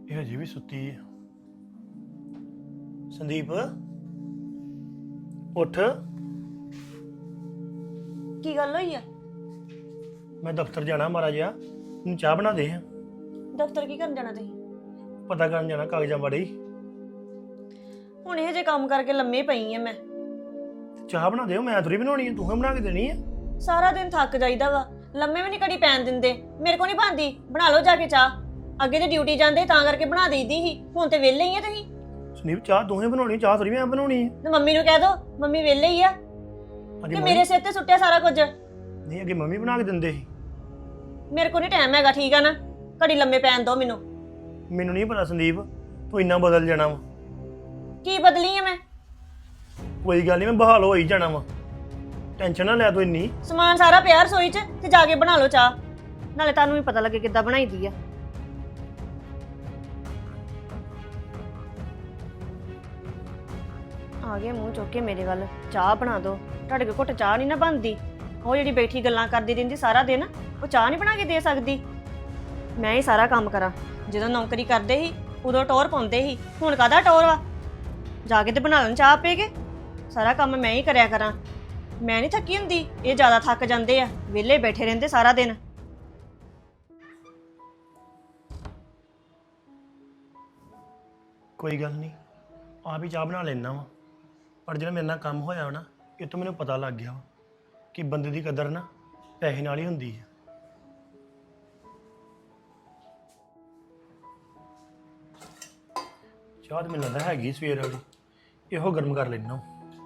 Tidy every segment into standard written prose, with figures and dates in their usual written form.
ਇਹ ਹਜੇ ਵੀ ਸੁੱਤੀ ਹੈ। ਸੰਦੀਪ ਉੱਠ। ਕੀ ਗੱਲ ਹੋਈ ਆ? ਮੈਂ ਦਫ਼ਤਰ ਜਾਣਾ ਮਾੜਾ ਜਿਹਾ, ਮੈਨੂੰ ਚਾਹ ਬਣਾ ਦੇ। ਦਫ਼ਤਰ ਕੀ ਕਰਨ ਜਾਣਾ ਤੁਸੀਂ? ਪਤਾ ਕਰਨ ਜਾਣਾ ਕਾਗਜ਼ਾਂ ਬਾਰੇ। ਹੁਣ ਇਹ ਜੇ ਕੰਮ ਕਰਕੇ ਲੰਮੇ ਪਈ ਆ ਮੈਂ। ਚਾਹ ਬਣਾ ਦਿਓ, ਮੈਂ ਥੋੜੀ ਬਣਾਉਣੀ ਹੈ, ਤੂੰ ਹੀ ਬਣਾ ਕੇ ਦੇਣੀ ਹੈ। ਸਾਰਾ ਦਿਨ ਥੱਕ ਜਾਈਦਾ ਵਾ, ਲੰਮੇ ਵੀ ਨਹੀਂ ਕੜੀ ਪੈਣ ਦਿੰਦੇ। ਮੇਰੇ ਕੋ ਨਹੀਂ ਬਣਦੀ, ਬਣਾ ਲਓ ਜਾ ਕੇ ਚਾਹ। ਅੱਗੇ ਤੇ ਡਿਊਟੀ ਜਾਂਦੇ ਤਾਂ ਕਰਕੇ ਬਣਾ ਦੇਈਦੀ ਸੀ, ਹੁਣ ਤੇ ਵਿਹਲੇ ਹੀ ਆ ਤੁਸੀਂ। ਸੰਦੀਪ ਚਾਹ ਤੂੰ ਹੀ ਬਣਾਉਣੀ, ਚਾਹ ਥੋੜੀ ਮੈਂ ਬਣਾਉਣੀ ਹੈ। ਤੇ ਮੰਮੀ ਨੂੰ ਕਹਿ ਦੋ, ਮੰਮੀ ਵਿਹਲੇ ਹੀ ਆ ਕਿ ਮੇਰੇ ਸਿਰ ਤੇ ਸੁੱਟਿਆ ਸਾਰਾ ਕੁਝ। ਨਹੀਂ ਅੱਗੇ ਮੰਮੀ ਬਣਾ ਕੇ ਦਿੰਦੇ ਸੀ। ਮੇਰੇ ਕੋ ਨਹੀਂ ਟਾਈਮ ਹੈਗਾ, ਠੀਕ ਆ ਨਾ? ਘੜੀ ਲੰਮੇ ਪੈਣ ਦੋ ਮੈਨੂੰ। ਮੈਨੂੰ ਨਹੀਂ ਪਤਾ ਸੰਦੀਪ, ਤੂੰ ਇੰਨਾ ਬਦਲ ਜਾਣਾ ਵਾ। ਕੀ ਬਦਲੀ ਆ ਮੈਂ? ਕੋਈ ਗੱਲ ਨਹੀਂ, ਮੈਂ ਬਹਾਲ ਹੋ ਹੀ ਜਾਣਾ ਵਾ, ਟੈਨਸ਼ਨ ਨਾ ਲੈ ਤੂੰ ਇੰਨੀ। ਸਮਾਨ ਸਾਰਾ ਪਿਆ ਰਸੋਈ 'ਚ, ਤੇ ਜਾ ਕੇ ਬਣਾ ਲਓ ਚਾਹ, ਨਾਲੇ ਤੁਹਾਨੂੰ ਵੀ ਪਤਾ ਲੱਗੇ ਕਿੱਦਾਂ ਬਣਾਈਦੀ ਆ। ਆ ਗਿਆ ਮੂੰਹ ਚੁੱਕ ਕੇ ਮੇਰੇ ਵੱਲ, ਚਾਹ ਬਣਾ ਦੋ। ਤੁਹਾਡੇ ਕੋਲ ਘੁੱਟ ਚਾਹ ਨਹੀਂ ਨਾ ਬਣਦੀ। ਉਹ ਜਿਹੜੀ ਬੈਠੀ ਗੱਲਾਂ ਕਰਦੀ ਰਹਿੰਦੀ ਸਾਰਾ ਦਿਨ, ਉਹ ਚਾਹ ਨਹੀਂ ਬਣਾ ਕੇ ਦੇ ਸਕਦੀ। ਮੈਂ ਹੀ ਸਾਰਾ ਕੰਮ ਕਰਾਂ। ਜਦੋਂ ਨੌਕਰੀ ਕਰਦੇ ਸੀ ਉਦੋਂ ਟੋਰ ਪਾਉਂਦੇ ਸੀ, ਹੁਣ ਕਾਹਦਾ ਟੋਰ ਵਾ? ਜਾ ਕੇ ਤੇ ਬਣਾ ਲੈਣ ਚਾਹ ਆਪੇ ਕੇ। ਸਾਰਾ ਕੰਮ ਮੈਂ ਹੀ ਕਰਿਆ ਕਰਾਂ। ਮੈਂ ਨਹੀਂ ਥੱਕੀ ਹੁੰਦੀ, ਇਹ ਜ਼ਿਆਦਾ ਥੱਕ ਜਾਂਦੇ ਆ, ਵਿਹਲੇ ਬੈਠੇ ਰਹਿੰਦੇ ਸਾਰਾ ਦਿਨ। ਕੋਈ ਗੱਲ ਨਹੀਂ, ਆਪ ਹੀ ਚਾਹ ਬਣਾ ਲੈਣਾ ਵਾ। ਪਰ ਜਿਹੜਾ ਮੇਰੇ ਨਾਲ ਕੰਮ ਹੋਇਆ ਨਾ, ਇਹ ਤੋਂ ਮੈਨੂੰ ਪਤਾ ਲੱਗ ਗਿਆ ਵਾ ਕਿ ਬੰਦੇ ਦੀ ਕਦਰ ਨਾ ਪੈਸੇ ਨਾਲ ਹੀ ਹੁੰਦੀ ਹੈ। ਚਾਹ ਤਾਂ ਮੈਨੂੰ ਲੱਗਦਾ ਹੈਗੀ ਸਵੇਰ ਵਾਲੀ, ਇਹੋ ਗਰਮ ਕਰ ਲੈਣਾ।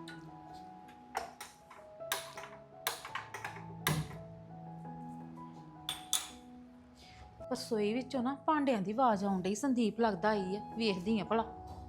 ਰਸੋਈ ਵਿੱਚੋਂ ਨਾ ਭਾਂਡਿਆਂ ਦੀ ਆਵਾਜ਼ ਆਉਣ ਡਈ। ਸੰਦੀਪ ਲੱਗਦਾ ਆਈ ਹੈ, ਵੇਖਦੀ ਆ ਭਲਾ।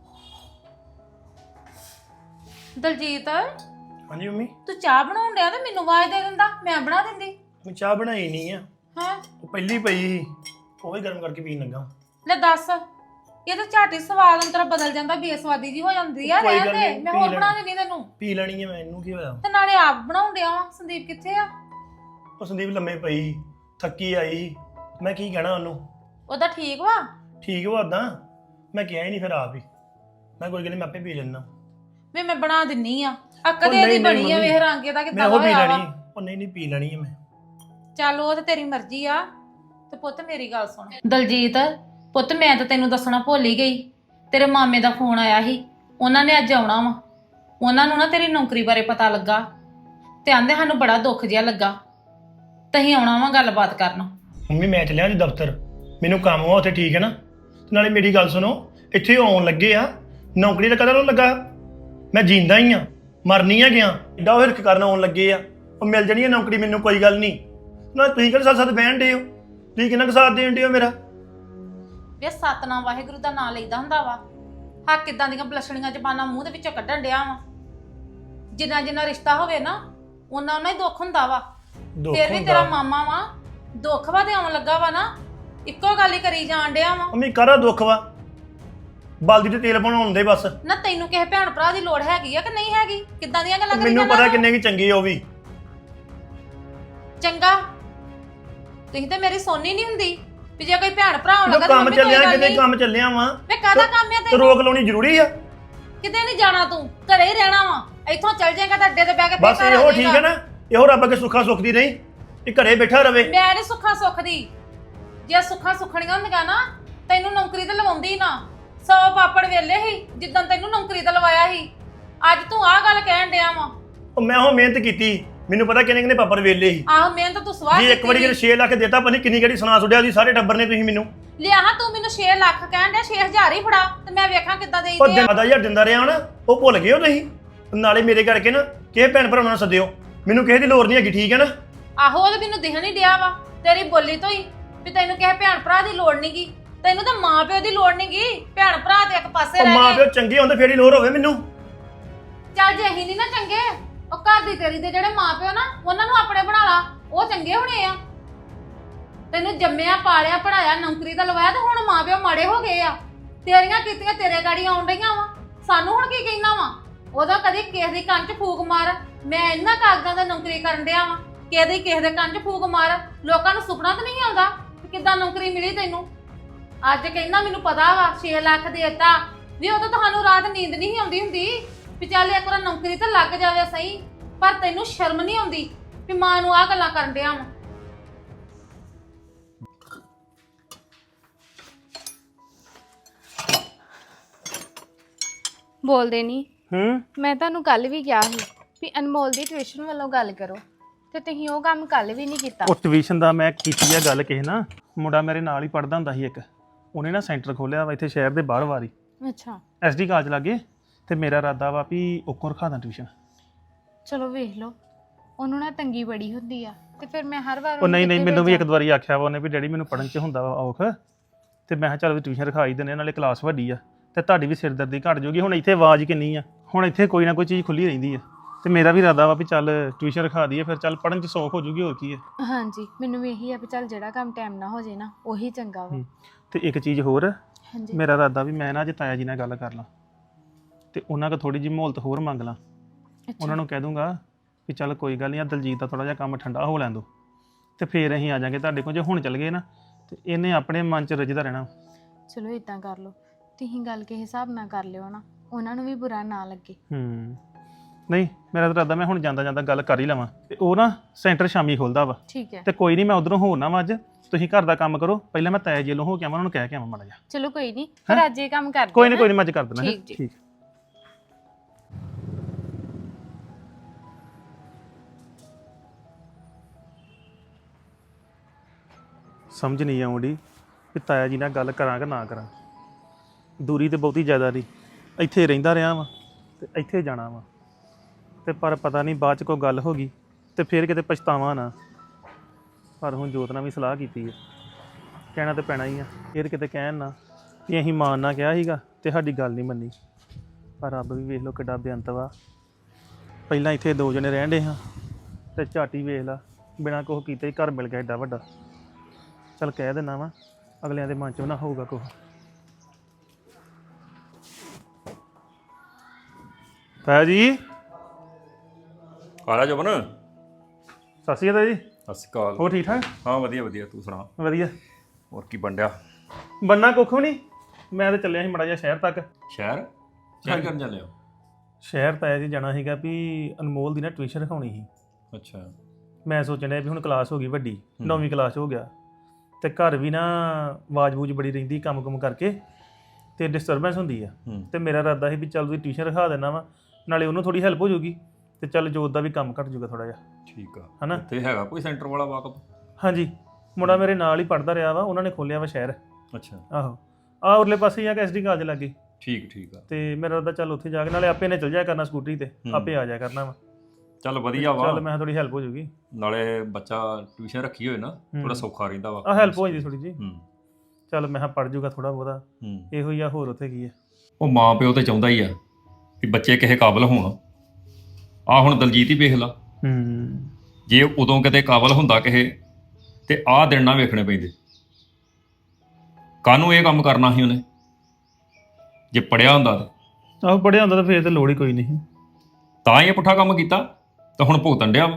ਦਲਜੀਤ, ਹਾਂਜੀ ਮੰਮੀ। ਤੂੰ ਚਾਹ ਬਣਾਉਣ ਡਿਆ ਤੇ ਮੈਨੂੰ ਆਵਾਜ਼ ਦੇ ਦਿੰਦਾ, ਮੈਂ ਬਣਾ ਦਿੰਦੀ। ਮੈਂ ਚਾਹ ਬਣਾਈ ਨਹੀਂ ਆ, ਹਾਂ ਉਹ ਪਹਿਲੀ ਪਈ ਸੀ, ਉਹ ਹੀ ਗਰਮ ਕਰਕੇ ਪੀਣ ਲੱਗਾ। ਲੈ ਦੱਸ, ਇਹ ਤਾਂ ਝਾਟੀ ਸਵਾਦ ਅੰਤਰਾ ਬਦਲ ਜਾਂਦਾ, ਬੇਸਵਾਦੀ ਜੀ ਹੋ ਜਾਂਦੀ ਆ। ਕੋਈ ਰਹਿਣ ਗੱਲ ਦੇ, ਨੀ, ਮੈਂ ਪੀ ਹੋਰ ਲੈਣੀ। ਬਣਾ ਦਿੰਦੀ ਤੈਨੂੰ। ਪੀ ਲੈਣੀ ਹੈ ਮੈਂ, ਇਹਨੂੰ ਕੀ ਹੋਇਆ? ਤੇ ਨਾਲੇ ਆਪ ਬਣਾਉਣ ਡਿਆ ਵਾ। ਸੰਦੀਪ ਕਿੱਥੇ ਆ? ਉਹ ਸੰਦੀਪ ਲੰਮੇ ਪਈ ਸੀ, ਥੱਕੀ ਆਈ ਸੀ। ਮੈਂ ਕੀ ਕਹਿਣਾ ਉਹਨੂੰ? ਉਹਦਾ ਠੀਕ ਵਾ? ਠੀਕ ਵਾ ਉਦਾਂ, ਮੈਂ ਕਿਹਾ ਹੀ ਨਹੀਂ ਫਿਰ ਆਪ ਹੀ। ਮੈਂ ਕੋਈ ਗੱਲ ਨਹੀਂ, ਮੈਂ ਆਪੇ ਪੀ ਲੈਣਾ। ਵੇ ਮੈਂ ਬਣਾ ਦਿੰਨੀ ਆ, ਕਦੇ ਦੀ ਬਣੀ ਆ, ਵੇਖ ਰੰਗ ਇਹਦਾ ਮੈਂ ਕਿੱਦਾਂ ਉਹ ਪੀ ਹੋਇਆ ਲੈਣੀ। ਵਾ। ਉਹ ਨਹੀਂ ਪੀ ਲੈਣੀ ਹੈ ਮੈਂ। ਚੱਲ ਉਹ ਤੇ ਤੇਰੀ ਮਰਜ਼ੀ ਆ। ਤੇ ਪੁੱਤ ਮੇਰੀ ਗੱਲ ਸੁਣ ਦਲਜੀਤ, ਪੁੱਤ ਮੈਂ ਤਾਂ ਤੈਨੂੰ ਦੱਸਣਾ ਭੁੱਲ ਹੀ ਗਈ। ਤੇਰੇ ਮਾਮੇ ਦਾ ਫੋਨ ਆਇਆ ਸੀ, ਉਹਨਾਂ ਨੇ ਅੱਜ ਆਉਣਾ ਵਾ। ਉਹਨਾਂ ਨੂੰ ਨਾ ਤੇਰੀ ਨੌਕਰੀ ਬਾਰੇ ਪਤਾ ਲੱਗਾ ਤੇ ਆਂਦੇ ਸਾਨੂੰ ਬੜਾ ਦੁੱਖ ਜਿਹਾ ਲੱਗਾ, ਤਹੀਂ ਆਉਣਾ ਵਾ ਗੱਲਬਾਤ ਕਰਨ। ਮੰਮੀ ਮੈਂ ਚੱਲਿਆ ਜੀ ਦਫ਼ਤਰ, ਮੈਨੂੰ ਕੰਮ ਵਾ ਉੱਥੇ, ਠੀਕ ਹੈ ਨਾ? ਨਾਲੇ ਮੇਰੀ ਗੱਲ ਸੁਣੋ, ਇੱਥੇ ਆਉਣ ਲੱਗੇ ਆ, ਨੌਕਰੀ ਦਾ ਕਦੋਂ ਲੱਗਾ? ਮੈਂ ਜਿੰਦਾ ਹੀ ਆ, ਮਰਨੀ ਆ ਗਿਆ। ਏਡਾ ਉਹ ਹਿਰਖ ਕਰਨ ਆਉਣ ਲੱਗੇ ਆ, ਉਹ ਮਿਲ ਜਾਣੀ ਹੈ ਨੌਕਰੀ ਮੈਨੂੰ, ਕੋਈ ਗੱਲ ਨਹੀਂ। ਨਾ ਤੁਸੀਂ ਕਿਹੜੇ ਸਾਥ ਬਹਿਣ ਡੇ ਹੋ? ਤੁਸੀਂ ਕਿੰਨਾ ਕੁ ਸਾਥ ਦੇਣ ਡੇ ਹੋ ਮੇਰਾ? ਵੇ ਸਤਨਾਮ ਵਾਹਿਗੁਰੂ ਦਾ ਨਾਂ ਲਈਦਾ ਹੁੰਦਾ ਵਾ। ਹਾਂ ਕਿੱਦਾਂ ਦੀਆਂ ਬਲਸ਼ਣੀਆਂ ਜ਼ਬਾਨਾਂ ਮੂੰਹ ਦੇ ਵਿੱਚੋਂ ਕੱਢਣ ਡਿਆ ਵਾ। ਜਿੰਨਾ ਜਿੰਨਾ ਰਿਸ਼ਤਾ ਹੋਵੇ ਨਾ, ਉਹਨਾਂ ਉਹਨਾਂ ਹੀ ਦੁੱਖ ਹੁੰਦਾ ਵਾ। ਫਿਰ ਵੀ ਤੇਰਾ ਮਾਮਾ ਵਾ, ਦੁੱਖ ਵਾ ਤੇ ਆਉਣ ਲੱਗਾ ਵਾ ਨਾ, ਇੱਕੋ ਗੱਲ ਹੀ ਕਰੀ ਜਾਣ ਡਿਆ ਵਾ। ਮੰਮੀ ਕਾਹਦਾ ਦੁੱਖ ਵਾ? ਬਲਦੀ ਤੇ ਤੇਲ ਬਣਾਉਣ ਦੇ ਬਸ। ਨਾ ਤੈਨੂੰ ਕਿਸੇ ਭੈਣ ਭਰਾ ਦੀ ਲੋੜ ਹੈਗੀ ਆ ਕਿ ਨਹੀਂ ਹੈਗੀ? ਕਿੱਦਾਂ ਦੀਆਂ ਗੱਲਾਂ ਕਰੀ ਮੈਨੂੰ ਜਾਂਦਾ ਪਤਾ ਕਿੰਨੇ ਕੀ ਚੰਗੇ ਉਹ ਵੀ। ਚੰਗਾ, ਤੁਸੀਂ ਤੇ ਮੇਰੀ ਸੋਨੀ ਨਹੀਂ ਹੁੰਦੀ ਵੀ ਜੇ ਕੋਈ ਭੈਣ ਭਰਾ ਹੋਣ ਲੱਗਾ ਤਾਂ ਕੰਮ ਚੱਲਿਆ, ਕਿਤੇ ਕੰਮ ਚੱਲਿਆ ਵਾ। ਵੇ ਕਾਹਦਾ ਕੰਮ ਆ ਤੇ ਤੈਨੂੰ? ਰੋਕ ਲਾਉਣੀ ਜ਼ਰੂਰੀ ਆ? ਕਿਤੇ ਨਹੀਂ ਜਾਣਾ, ਤੂੰ ਘਰੇ ਹੀ ਰਹਿਣਾ ਵਾ। ਇੱਥੋਂ ਚੱਲ ਜਾਏਗਾ ਤਾਂ ਅੱਡੇ ਤੇ ਬਹਿ ਕੇ ਬਸ ਇਹੋ ਠੀਕ ਹੈ ਨਾ, ਇਹੋ ਰੱਬ ਅੱਗੇ ਸੁੱਖਾ ਸੁੱਖਦੀ ਨਹੀਂ, ਇਹ ਘਰੇ ਬੈਠਾ ਰਵੇ। ਮੈਂ ਨੀ ਸੁੱਖਾ ਸੁੱਖਦੀ। ਜੇ ਸੁੱਖਾ ਸੁੱਖਣੀਆਂ ਹੁੰਦੀਆਂ ਨਾ, ਤੈਨੂੰ ਨੌਕਰੀ ਤੇ ਲਵਾਉਂਦੀ ਨਾ। 100 ਪਾਪੜ ਵੇਲੇ ਸੀ ਜਿੱਦਾਂ ਤੈਨੂੰ ਨੌਕਰੀ ਤੇ ਲਵਾਇਆ ਸੀ। ਅੱਜ ਤੂੰ ਆਹ ਗੱਲ ਕਹਿਣ ਡਿਆ ਵਾ। ਉਹ ਮੈਂ ਉਹ ਮਿਹਨਤ ਕੀਤੀ, ਮੈਨੂੰ ਪਤਾ ਕਿੰਨੇ ਕਿੰਨੇ ਪਾਪੜ ਵੇਲੇ ਸੀ। ਆਹੋ ਮਿਹਨਤ ਤੂੰ ਸਵਾਹ ਜੀ ਇੱਕ ਵਾਰੀ ਜੇ 6 ਲੱਖ ਦੇਤਾ, ਪਤਾ ਨਹੀਂ ਕਿੰਨੀ ਕਿਹੜੀ ਸੁਣਾ ਸੁੱਟਿਆ ਸੀ ਸਾਰੇ ਟੱਬਰ ਨੇ ਤੁਸੀਂ ਮੈਨੂੰ। ਲਿਆ ਹਾਂ ਤੂੰ ਮੈਨੂੰ 6 ਲੱਖ ਕਹਿਣ ਡਿਆ, 6000 ਹੀ ਫੜਾ ਤੇ ਮੈਂ ਵੇਖਾਂ ਕਿੱਦਾਂ ਉਹ ਦੇਈਦੇ ਆ। 10,000 ਦਿੰਦਾ ਰਿਹਾ ਨਾ, ਉਹ ਭੁੱਲ ਗਏ ਹੋ ਤੁਸੀਂ। ਨਾਲੇ ਮੇਰੇ ਕਰਕੇ ਨਾ ਕਿਸੇ ਭੈਣ ਭਰਾਵਾਂ ਨੂੰ ਸੱਦਿਓ, ਮੈਨੂੰ ਕਿਸੇ ਦੀ ਲੋੜ ਨਹੀਂ ਹੈਗੀ, ਠੀਕ ਹੈ ਨਾ? ਆਹੋ ਉਹ ਤੇ ਮੈਨੂੰ ਦਿਖਣ ਹੀ ਡਿਆ ਵਾ ਤੇਰੀ ਬੋਲੀ ਤੋਂ ਹੀ ਵੀ ਤੈਨੂੰ ਕਿਸੇ ਭੈਣ ਭਰਾ ਦੀ ਲੋੜ ਨਹੀਂਗੀ। ਤੈਨੂੰ ਤਾਂ ਮਾਂ ਪਿਓ ਦੀ ਲੋੜ ਨਹੀਂਗੀ, ਭੈਣ ਭਰਾ ਤੇ ਇੱਕ ਪਾਸੇ ਉਹ ਰਹਿ ਮਾਂ ਗਏ। ਪਿਓ ਚੰਗੇ ਹੁੰਦੇ ਫੇਰ ਹੀ ਲੋੜ ਹੋਵੇ ਮੈਨੂੰ। ਚੱਲ ਜੇ ਅਸੀਂ ਨਹੀਂ ਨਾ ਚੰਗੇ, ਉਹ ਘਰ ਦੀ ਤੇਰੀ ਦੇ ਜਿਹੜੇ ਮਾਂ ਪਿਓ ਨਾ, ਉਹਨਾਂ ਨੂੰ ਆਪਣੇ ਬਣਾ ਲਾ, ਉਹ ਚੰਗੇ ਹੋਣੇ ਆ। ਤੈਨੂੰ ਜੰਮਿਆ ਪਾਲਿਆ ਪੜਾਇਆ ਨੌਕਰੀ ਦਾ ਲਵਾਇਆ ਤੇ ਹੁਣ ਮਾਂ ਪਿਓ ਮਾੜੇ ਹੋ ਗਏ ਆ। ਤੇਰੀਆਂ ਕੀਤੀਆਂ ਤੇਰੇ ਗਾੜੀ ਆਉਣ ਡਈਆਂ ਵਾ, ਸਾਨੂੰ ਹੁਣ ਕੀ ਕਹਿਣਾ ਵਾ? ਉਹਦਾ ਕਦੀ ਕਿਸੇ ਦੀ ਕੰਨ 'ਚ ਫੂਕ ਮਾਰ, ਮੈਂ ਇਹਨਾਂ ਕਾਗਜ਼ਾਂ ਦਾ ਨੌਕਰੀ ਕਰਨ ਡਿਆ ਵਾ, ਕਿਸੇ ਦੇ ਕੰਨ 'ਚ ਫੂਕ ਮਾਰ। ਲੋਕਾਂ ਨੂੰ ਸੁਪਨਾ ਤਾਂ ਨਹੀਂ ਆਉਂਦਾ ਕਿ ਕਿੱਦਾਂ ਨੌਕਰੀ ਮਿਲੀ ਤੈਨੂੰ। ਅੱਜ ਕਹਿੰਦਾ ਮੈਨੂੰ ਪਤਾ ਵਾ 6 ਲੱਖ ਦੇਤਾ ਵੀ ਉਦੋਂ ਤੁਹਾਨੂੰ ਰਾਤ ਨੀਂਦ ਨਹੀਂ ਆਉਂਦੀ ਹੁੰਦੀ ਵੀ ਚੱਲ ਇੱਕ ਵਾਰ ਨੌਕਰੀ ਤਾਂ ਲੱਗ ਜਾਵੇ ਸਹੀ, ਪਰ ਤੈਨੂੰ ਸ਼ਰਮ ਨਹੀਂ ਆਉਂਦੀ ਵੀ ਮਾਂ ਨੂੰ ਆਹ ਗੱਲਾਂ ਕਰਨ ਡਿਆ ਵਾ। ਬੋਲਦੇ ਨਹੀਂ। ਹੂੰ ਮੈਂ ਤੁਹਾਨੂੰ ਕੱਲ ਵੀ ਕਿਹਾ ਸੀ ਵੀ ਅਨਮੋਲ ਦੀ ਟਿਊਸ਼ਨ ਵੱਲੋਂ ਗੱਲ ਕਰੋ ਤੇ ਤੁਸੀਂ ਉਹ ਕੰਮ ਕੱਲ ਵੀ ਨਹੀਂ ਕੀਤਾ। ਉਹ ਟਿਊਸ਼ਨ ਦਾ ਮੈਂ ਕੀਤੀ ਆ ਗੱਲ ਕਿਸੇ ਨਾ, ਮੁੰਡਾ ਮੇਰੇ ਨਾਲ ਹੀ ਪੜਦਾ ਹੁੰਦਾ ਸੀ ਇੱਕ, ਉਹਨੇ ਨਾ ਸੈਂਟਰ ਖੋਲਿਆ ਵਾ ਇੱਥੇ ਸ਼ਹਿਰ ਦੇ ਬਾਹਰ ਵਾਰੀ ਅੱਛਾ ਐਸਡੀ ਕਾਲਜ ਲਾਗੇ, ਤੇ ਮੇਰਾ ਇਰਾਦਾ ਵਾ ਵੀ ਉੱਕੋਂ ਰਖਾ ਦਾਂ ਟਿਊਸ਼ਨ। ਚਲੋ ਵੇਖ ਲਓ, ਉਹਨੂੰ ਨਾ ਤੰਗੀ ਬੜੀ ਹੁੰਦੀ ਆ ਤੇ ਫਿਰ ਮੈਂ ਹਰ ਵਾਰ ਉਹ ਨਹੀਂ ਨਹੀਂ ਮੈਨੂੰ ਵੀ ਇੱਕ ਦੋ ਵਾਰੀ ਆਖਿਆ ਵਾ ਉਹਨੇ ਵੀ ਡੈਡੀ ਮੈਨੂੰ ਪੜਨ 'ਚ ਹੁੰਦਾ ਵਾ ਔਖ, ਤੇ ਮੈਂ ਕਿਹਾ ਚੱਲ ਵੀ ਟਿਊਸ਼ਨ ਰਖਾਈ ਦਿੰਦੇ, ਨਾਲੇ ਕਲਾਸ ਵੱਡੀ ਆ ਤੇ ਤੁਹਾਡੀ ਵੀ ਸਿਰਦਰਦੀ ਘਟ ਜਾਊਗੀ। ਹੁਣ ਇੱਥੇ ਆਵਾਜ਼ ਕਿੰਨੀ ਆ, ਹੁਣ ਇੱਥੇ ਕੋਈ ਨਾ ਕੋਈ ਚੀਜ਼ ਖੁੱਲੀ ਰਹਿੰਦੀ ਆ, ਤੇ ਮੇਰਾ ਵੀ ਇਰਾਦਾ ਵਾ ਵੀ ਚੱਲ ਟਿਊਸ਼ਨ ਰਖਾ ਦਈਏ, ਫਿਰ ਚੱਲ ਪੜਨ 'ਚ ਸੌਖ ਹੋ ਜੂਗੀ, ਹੋਰ ਕੀ ਆ। ਹਾਂਜੀ ਮੈਨੂੰ ਵੀ ਇਹੀ ਆ ਵੀ ਚੱਲ ਜਿਹੜਾ ਕੰਮ ਟਾਈਮ ਨਾਲ ਹੋ ਜੇ ਨਾ ਉਹੀ ਚੰਗਾ ਵਾ। ਤੇ ਇੱਕ ਚੀਜ਼ ਹੋਰ, ਹਾਂਜੀ ਮੇਰਾ ਇਰਾਦਾ ਵੀ ਮੈਂ ਨਾ ਅੱਜ ਤਾਇਆ ਜੀ ਨਾਲ ਗੱਲ ਕਰ ਲਾਂ ਤੇ ਉਹਨਾਂ ਕੋਲ ਥੋੜੀ ਜਿਹੀ ਮਹੌਲਤ ਹੋਰ ਮੰਗ ਲਾਂ। ਉਹਨਾਂ ਨੂੰ ਕਹਿ ਦੂੰਗਾ ਕਿ ਚੱਲ ਕੋਈ ਗੱਲ ਨਹੀਂ, ਆ ਦਲਜੀਤ ਦਾ ਥੋੜਾ ਜਿਹਾ ਕੰਮ ਠੰਡਾ ਹੋ ਲੈਣ ਦੋ, ਤੇ ਫੇਰ ਅਸੀਂ ਆ ਜਾਾਂਗੇ ਤੁਹਾਡੇ ਕੋਲ। ਜੇ ਹੁਣ ਚੱਲ ਗਏ ਨਾ ਤੇ ਇਹਨੇ ਆਪਣੇ ਮਨ 'ਚ ਰਜਦਾ ਰਹਿਣਾ। ਚਲੋ ਇਦਾਂ ਕਰ ਲਓ, ਤੁਸੀਂ ਗੱਲ ਕਿਸੇ ਹਿਸਾਬ ਨਾਲ ਕਰ ਲਿਓ ਨਾ, ਉਹਨਾਂ ਨੂੰ ਵੀ ਬੁਰਾ ਨਾ ਲੱਗੇ। ਨਹੀਂ ਮੇਰਾ ਤਾਂ ਇਰਾਦਾ ਮੈਂ ਹੁਣ ਜਾਂਦਾ ਜਾਂਦਾ ਗੱਲ ਕਰ ਹੀ ਲਵਾਂ, ਤੇ ਉਹ ਨਾ ਸੈਂਟਰ ਸ਼ਾਮੀ ਖੁੱਲਦਾ ਵਾ, ਠੀਕ ਹੈ ਤੇ ਕੋਈ ਨਹੀਂ ਮੈਂ ਉਧਰੋਂ ਹੋਣਾ ਵਾ ਅੱਜ, ਤੁਸੀਂ ਘਰ ਦਾ ਕੰਮ ਕਰੋ, ਪਹਿਲਾਂ ਮੈਂ ਤਾਇਆ ਜੀ ਵੱਲੋਂ ਹੋ ਕੇ ਆਵਾਂ, ਉਹਨਾਂ ਨੂੰ ਕਹਿ ਕੇ ਆਵਾਂ ਮਾੜਾ ਜਿਹਾ। ਚਲੋ ਕੋਈ ਨਹੀਂ, ਪਰ ਅੱਜ ਇਹ ਕੰਮ ਕਰ ਦਿਓ। ਕੋਈ ਨਹੀਂ ਮੈਂ ਅੱਜ ਕਰ ਦੇਣਾ। ਠੀਕ ਜੀ। ਠੀਕ ਸਮਝ ਨਹੀਂ ਆਉਂਦੀ ਕਿ ਤਾਇਆ ਜੀ ਨਾਲ ਗੱਲ ਕਰਾਂ ਕਿ ਨਾ ਕਰਾਂ। ਦੂਰੀ ਤੇ ਬਹੁਤੀ ਜ਼ਿਆਦਾ ਨਹੀਂ, ਇੱਥੇ ਰਹਿੰਦਾ ਰਿਹਾ ਵਾਂ ਤੇ ਇੱਥੇ ਜਾਣਾ ਵਾ, ਤੇ ਪਰ ਪਤਾ ਨਹੀਂ ਬਾਅਦ 'ਚ ਕੋਈ ਗੱਲ ਹੋ ਗਈ ਤੇ ਫਿਰ ਕਿਤੇ ਪਛਤਾਵਾਂ ਨਾ। ਪਰ ਹੁਣ ਜੋਤ ਨਾਲ ਵੀ ਸਲਾਹ ਕੀਤੀ ਹੈ, ਕਹਿਣਾ ਤੇ ਪੈਣਾ ਹੀ ਆ, ਫਿਰ ਕਿਤੇ ਕਹਿਣ ਨਾ ਕਿ ਅਸੀਂ ਮਾਨ ਨਾ ਕਿਹਾ ਸੀਗਾ ਤੇ ਸਾਡੀ ਗੱਲ ਨਹੀਂ ਮੰਨੀ। ਪਰ ਰੱਬ ਵੀ ਵੇਖ ਲਓ ਕਿੱਡਾ ਬੇਅੰਤ ਵਾ, ਪਹਿਲਾਂ ਇੱਥੇ 2 ਜਣੇ ਰਹਿਣ ਡੇ ਹਾਂ ਤੇ ਝਾਟੀ ਵੇਖ ਲਾ ਬਿਨਾਂ ਕੁਛ ਕੀਤੇ ਹੀ ਘਰ ਮਿਲ ਗਿਆ ਏਡਾ ਵੱਡਾ। ਚੱਲ ਕਹਿ ਦਿੰਦਾ ਵਾ, ਅਗਲਿਆਂ ਦੇ ਮਨ 'ਚ ਨਾ ਹੋਊਗਾ ਕੁਛ। ਤਾਇਆ ਜੀ ਆਲਾ ਜਬਨ ਸਤਿ ਸ਼੍ਰੀ ਅਕਾਲ ਜੀ। ਸਤਿ ਸ਼੍ਰੀ ਅਕਾਲ। ਹੋਰ ਠੀਕ ਠਾਕ? ਹਾਂ ਵਧੀਆ ਵਧੀਆ, ਤੂੰ ਸੁਣਾ? ਵਧੀਆ। ਹੋਰ ਕੀ ਬੰਡਿਆ? ਬੰਨਾ ਕੁੱਖ ਵੀ ਨਹੀਂ, ਮੈਂ ਤਾਂ ਚੱਲਿਆ ਸੀ ਮਾੜਾ ਜਿਹਾ ਸ਼ਹਿਰ ਤੱਕ। ਸ਼ਹਿਰ ਸ਼ਹਿਰ ਕਰਨ ਚੱਲੇ ਹੋ? ਸ਼ਹਿਰ ਤਾਇਆ ਜੀ ਜਾਣਾ ਸੀਗਾ ਵੀ ਅਨਮੋਲ ਦੀ ਨਾ ਟਿਊਸ਼ਨ ਰਖਾਉਣੀ ਸੀ। ਅੱਛਾ। ਮੈਂ ਸੋਚਣ ਡਿਆ ਵੀ ਹੁਣ ਕਲਾਸ ਹੋ ਗਈ ਵੱਡੀ, 9ਵੀਂ ਕਲਾਸ ਹੋ ਗਿਆ, ਤੇ ਘਰ ਵੀ ਨਾ ਆਵਾਜ਼-ਬੂਜ ਬੜੀ ਰਹਿੰਦੀ ਕੰਮ-ਕੁਮ ਕਰਕੇ, ਤੇ ਡਿਸਟਰਬੈਂਸ ਹੁੰਦੀ ਆ। ਤੇ ਮੇਰਾ ਇਰਾਦਾ ਸੀ ਵੀ ਚੱਲ ਤੁਸੀਂ ਟਿਊਸ਼ਨ ਰਖਾ ਦੇਣਾ ਵਾ, ਨਾਲੇ ਉਹਨੂੰ ਥੋੜੀ ਹੈਲਪ ਹੋ ਜਾਊਗੀ, ਤੇ ਚੱਲ ਜੋਤ ਦਾ ਵੀ ਕੰਮ ਘੱਟ ਜਾਊਗਾ ਥੋੜਾ ਜਿਹਾ। ਠੀਕ ਆ। ਹਨਾ? ਤੇ ਹੈਗਾ ਕੋਈ ਸੈਂਟਰ ਵਾਲਾ ਵਾਕਫ? ਹਾਂਜੀ, ਮੁੰਡਾ ਮੇਰੇ ਨਾਲ ਹੀ ਪੜਦਾ ਰਿਹਾ ਵਾ, ਉਹਨਾਂ ਨੇ ਖੋਲਿਆ ਵਾ ਸ਼ਹਿਰ। ਅੱਛਾ। ਆਹੋ ਆਹ ਉਰਲੇ ਪਾਸੇ ਹੀ ਆ ਕਿ ਐਸਡੀ ਕਾਲਜ ਲੱਗੇ। ਠੀਕ ਠੀਕ ਆ। ਤੇ ਮੇਰਾ ਇਰਾਦਾ ਚੱਲ ਉੱਥੇ ਜਾ ਕੇ, ਨਾਲੇ ਆਪੇ ਨੇ ਚੱਲ ਜਾਇਆ ਕਰਨਾ ਸਕੂਟਰੀ ਤੇ, ਆਪੇ ਆ ਜਾਇਆ ਕਰਨਾ ਵਾ। ਚੱਲ ਵਧੀਆ ਵਾ, ਚੱਲ ਮੈਂ ਥੋੜੀ ਹੈਲਪ ਹੋ ਜਾਊਗੀ, ਨਾਲੇ ਬੱਚਾ ਟਿਊਸ਼ਨ ਰੱਖੀ ਹੋਏ ਨਾ ਥੋੜਾ ਸੌਖਾ ਰਹਿੰਦਾ ਵਾ। ਆਹ ਹੈਲਪ ਹੋ ਜਾਂਦੀ ਥੋੜੀ ਜੀ। ਹੂੰ। ਚੱਲ ਮੈਂ ਪੜ ਜਾਊਗਾ ਥੋੜਾ ਬਹੁਤਾ, ਹੂੰ। ਇਹੋ ਹੀ ਆ, ਹੋਰ ਉੱਥੇ ਕੀ ਹੈ। ਉਹ ਮਾਂ ਪਿਓ ਤੇ ਚਾਹੁੰਦਾ ਹੀ ਆ ਕਿ ਬੱਚੇ ਕਿਸੇ ਕਾਬਲ ਹੋਣ। ਆ ਹੁਣ ਦਲਜੀਤ ਹੀ ਵੇਖ ਲਾ, ਜੇ ਉਦੋਂ ਕਿਤੇ ਕਾਬਲ ਹੁੰਦਾ ਕਿਸੇ, ਤੇ ਆਹ ਦਿਨ ਨਾ ਵੇਖਣੇ ਪੈਂਦੇ। ਕਾਹਨੂੰ ਇਹ ਕੰਮ ਕਰਨਾ ਸੀ ਉਹਨੇ, ਜੇ ਪੜਿਆ ਹੁੰਦਾ ਤਾਂ। ਆਹੋ ਪੜਿਆ ਹੁੰਦਾ ਤਾਂ ਫੇਰ ਤੇ ਲੋੜ ਹੀ ਕੋਈ ਨਹੀਂ। ਤਾਂ ਹੀ ਇਹ ਪੁੱਠਾ ਕੰਮ ਕੀਤਾ, ਤਾਂ ਹੁਣ ਭੁਗਤਣ ਡਿਆ ਵਾ।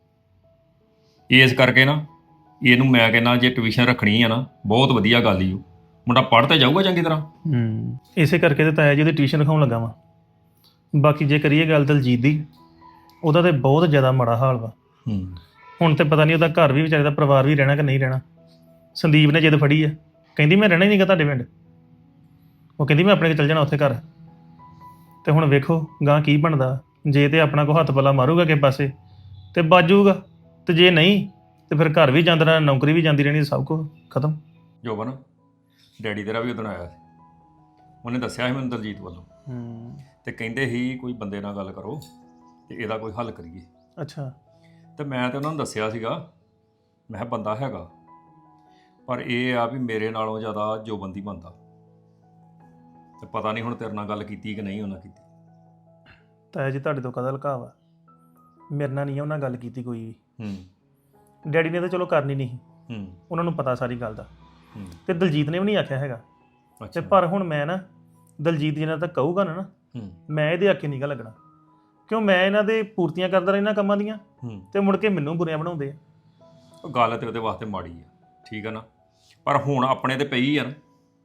ਇਸ ਕਰਕੇ ਨਾ ਇਹਨੂੰ ਮੈਂ ਕਹਿੰਦਾ ਜੇ ਟਿਊਸ਼ਨ ਰੱਖਣੀ ਆ ਨਾ, ਬਹੁਤ ਵਧੀਆ ਗੱਲ ਹੀ ਉਹ ਮੁੰਡਾ ਪੜ੍ਹ ਤੇ ਜਾਊਗਾ ਚੰਗੀ ਤਰ੍ਹਾਂ। ਇਸੇ ਕਰਕੇ ਤੇ ਤਾਇਆ ਜੀ ਉਹਦੀ ਟਿਊਸ਼ਨ ਰਖਾਉਣ ਲੱਗਾ ਵਾ। ਬਾਕੀ ਜੇ ਕਰੀਏ ਗੱਲ ਦਲਜੀਤ ਦੀ, ਉਹਦਾ ਤੇ ਬਹੁਤ ਜ਼ਿਆਦਾ ਮਾੜਾ ਹਾਲ ਵਾ। ਹੁਣ ਤੇ ਪਤਾ ਨਹੀਂ ਉਹਦਾ ਘਰ ਵੀ ਵਿਚਾਰੇ ਦਾ ਪਰਿਵਾਰ ਵੀ ਰਹਿਣਾ ਕਿ ਨਹੀਂ ਰਹਿਣਾ। ਸੰਦੀਪ ਨੇ ਜਿੱਦ ਫੜੀ ਆ, ਕਹਿੰਦੀ ਮੈਂ ਰਹਿਣਾ ਹੀ ਨਹੀਂਗਾ ਤੁਹਾਡੇ ਪਿੰਡ, ਉਹ ਕਹਿੰਦੀ ਮੈਂ ਆਪਣੇ ਕੋਲ ਚੱਲ ਜਾਣਾ ਉੱਥੇ ਘਰ। ਤੇ ਹੁਣ ਵੇਖੋ ਗਾਂ ਕੀ ਬਣਦਾ, ਜੇ ਤੇ ਆਪਣਾ ਕੋ ਹੱਥ ਪੱਲਾ ਮਾਰੂਗਾ ਕਿਸੇ ਪਾਸੇ ਤੇ ਬਾਜੂਗਾ, ਤੇ ਜੇ ਨਹੀਂ ਤੇ ਫਿਰ ਘਰ ਵੀ ਜਾਂਦਾ ਰਹਿਣਾ, ਨੌਕਰੀ ਵੀ ਜਾਂਦੀ ਰਹਿਣੀ, ਸਭ ਕੁਝ ਖਤਮ। ਜੋਬਨ ਡੈਡੀ ਤੇਰਾ ਵੀ ਉਦੋਂ ਆਇਆ ਸੀ, ਉਹਨੇ ਦੱਸਿਆ ਸੀ ਮੈਨੂੰ ਦਲਜੀਤ ਵੱਲੋਂ, ਤੇ ਕਹਿੰਦੇ ਸੀ ਕੋਈ ਬੰਦੇ ਨਾਲ ਗੱਲ ਕਰੋ ਤੇ ਇਹਦਾ ਕੋਈ ਹੱਲ ਕਰੀਏ। ਅੱਛਾ। ਤੇ ਮੈਂ ਤੇ ਉਹਨਾਂ ਨੂੰ ਦੱਸਿਆ ਸੀਗਾ, ਮੈਂ ਕਿਹਾ ਬੰਦਾ ਹੈਗਾ, ਪਰ ਇਹ ਆ ਵੀ ਮੇਰੇ ਨਾਲੋਂ ਜ਼ਿਆਦਾ ਜੋਬਨ ਦੀ ਬੰਦਾ। ਤੇ ਪਤਾ ਨਹੀਂ ਹੁਣ ਤੇਰੇ ਨਾਲ ਗੱਲ ਕੀਤੀ ਕਿ ਨਹੀਂ ਉਹਨਾਂ ਕੀਤੀ। ਤਾਇਆ ਜੀ ਤੁਹਾਡੇ ਤੋਂ ਕਦਾ ਲੁਕਾ ਵਾ, ਮੇਰੇ ਨਾਲ ਨਹੀਂ ਉਹਨਾਂ ਗੱਲ ਕੀਤੀ ਕੋਈ ਵੀ। ਹੂੰ। ਡੈਡੀ ਨੇ ਤਾਂ ਚਲੋ ਕਰਨੀ ਨਹੀਂ, ਹੂੰ। ਉਹਨਾਂ ਨੂੰ ਪਤਾ ਸਾਰੀ ਗੱਲ ਦਾ, ਹੂੰ। ਤੇ ਦਲਜੀਤ ਨੇ ਵੀ ਨਹੀਂ ਆਖਿਆ ਹੈਗਾ। ਤੇ ਅੱਛਾ। ਪਰ ਹੁਣ ਮੈਂ ਨਾ ਦਲਜੀਤ ਜੀ ਨਾਲ ਤਾਂ ਕਹੂਗਾ ਨਾ, ਹੂੰ। ਮੈਂ ਇਹਦੇ ਆਖੇ ਨਹੀਂ ਗਾ ਲੱਗਣਾ, ਕਿਉਂ ਮੈਂ ਇਹਨਾਂ ਦੇ ਪੂਰਤੀਆਂ ਕਰਦਾ ਰਹਿਣਾ ਕੰਮਾਂ ਦੀਆਂ, ਹੂੰ। ਤੇ ਮੁੜ ਕੇ ਮੈਨੂੰ ਬੁਰਿਆਂ ਬਣਾਉਂਦੇ ਆ। ਉਹ ਗੱਲ ਤੇ ਉਹਦੇ ਵਾਸਤੇ ਮਾੜੀ ਆ, ਠੀਕ ਆ ਨਾ, ਪਰ ਹੁਣ ਆਪਣੇ ਤੇ ਪਈ ਆ ਨਾ,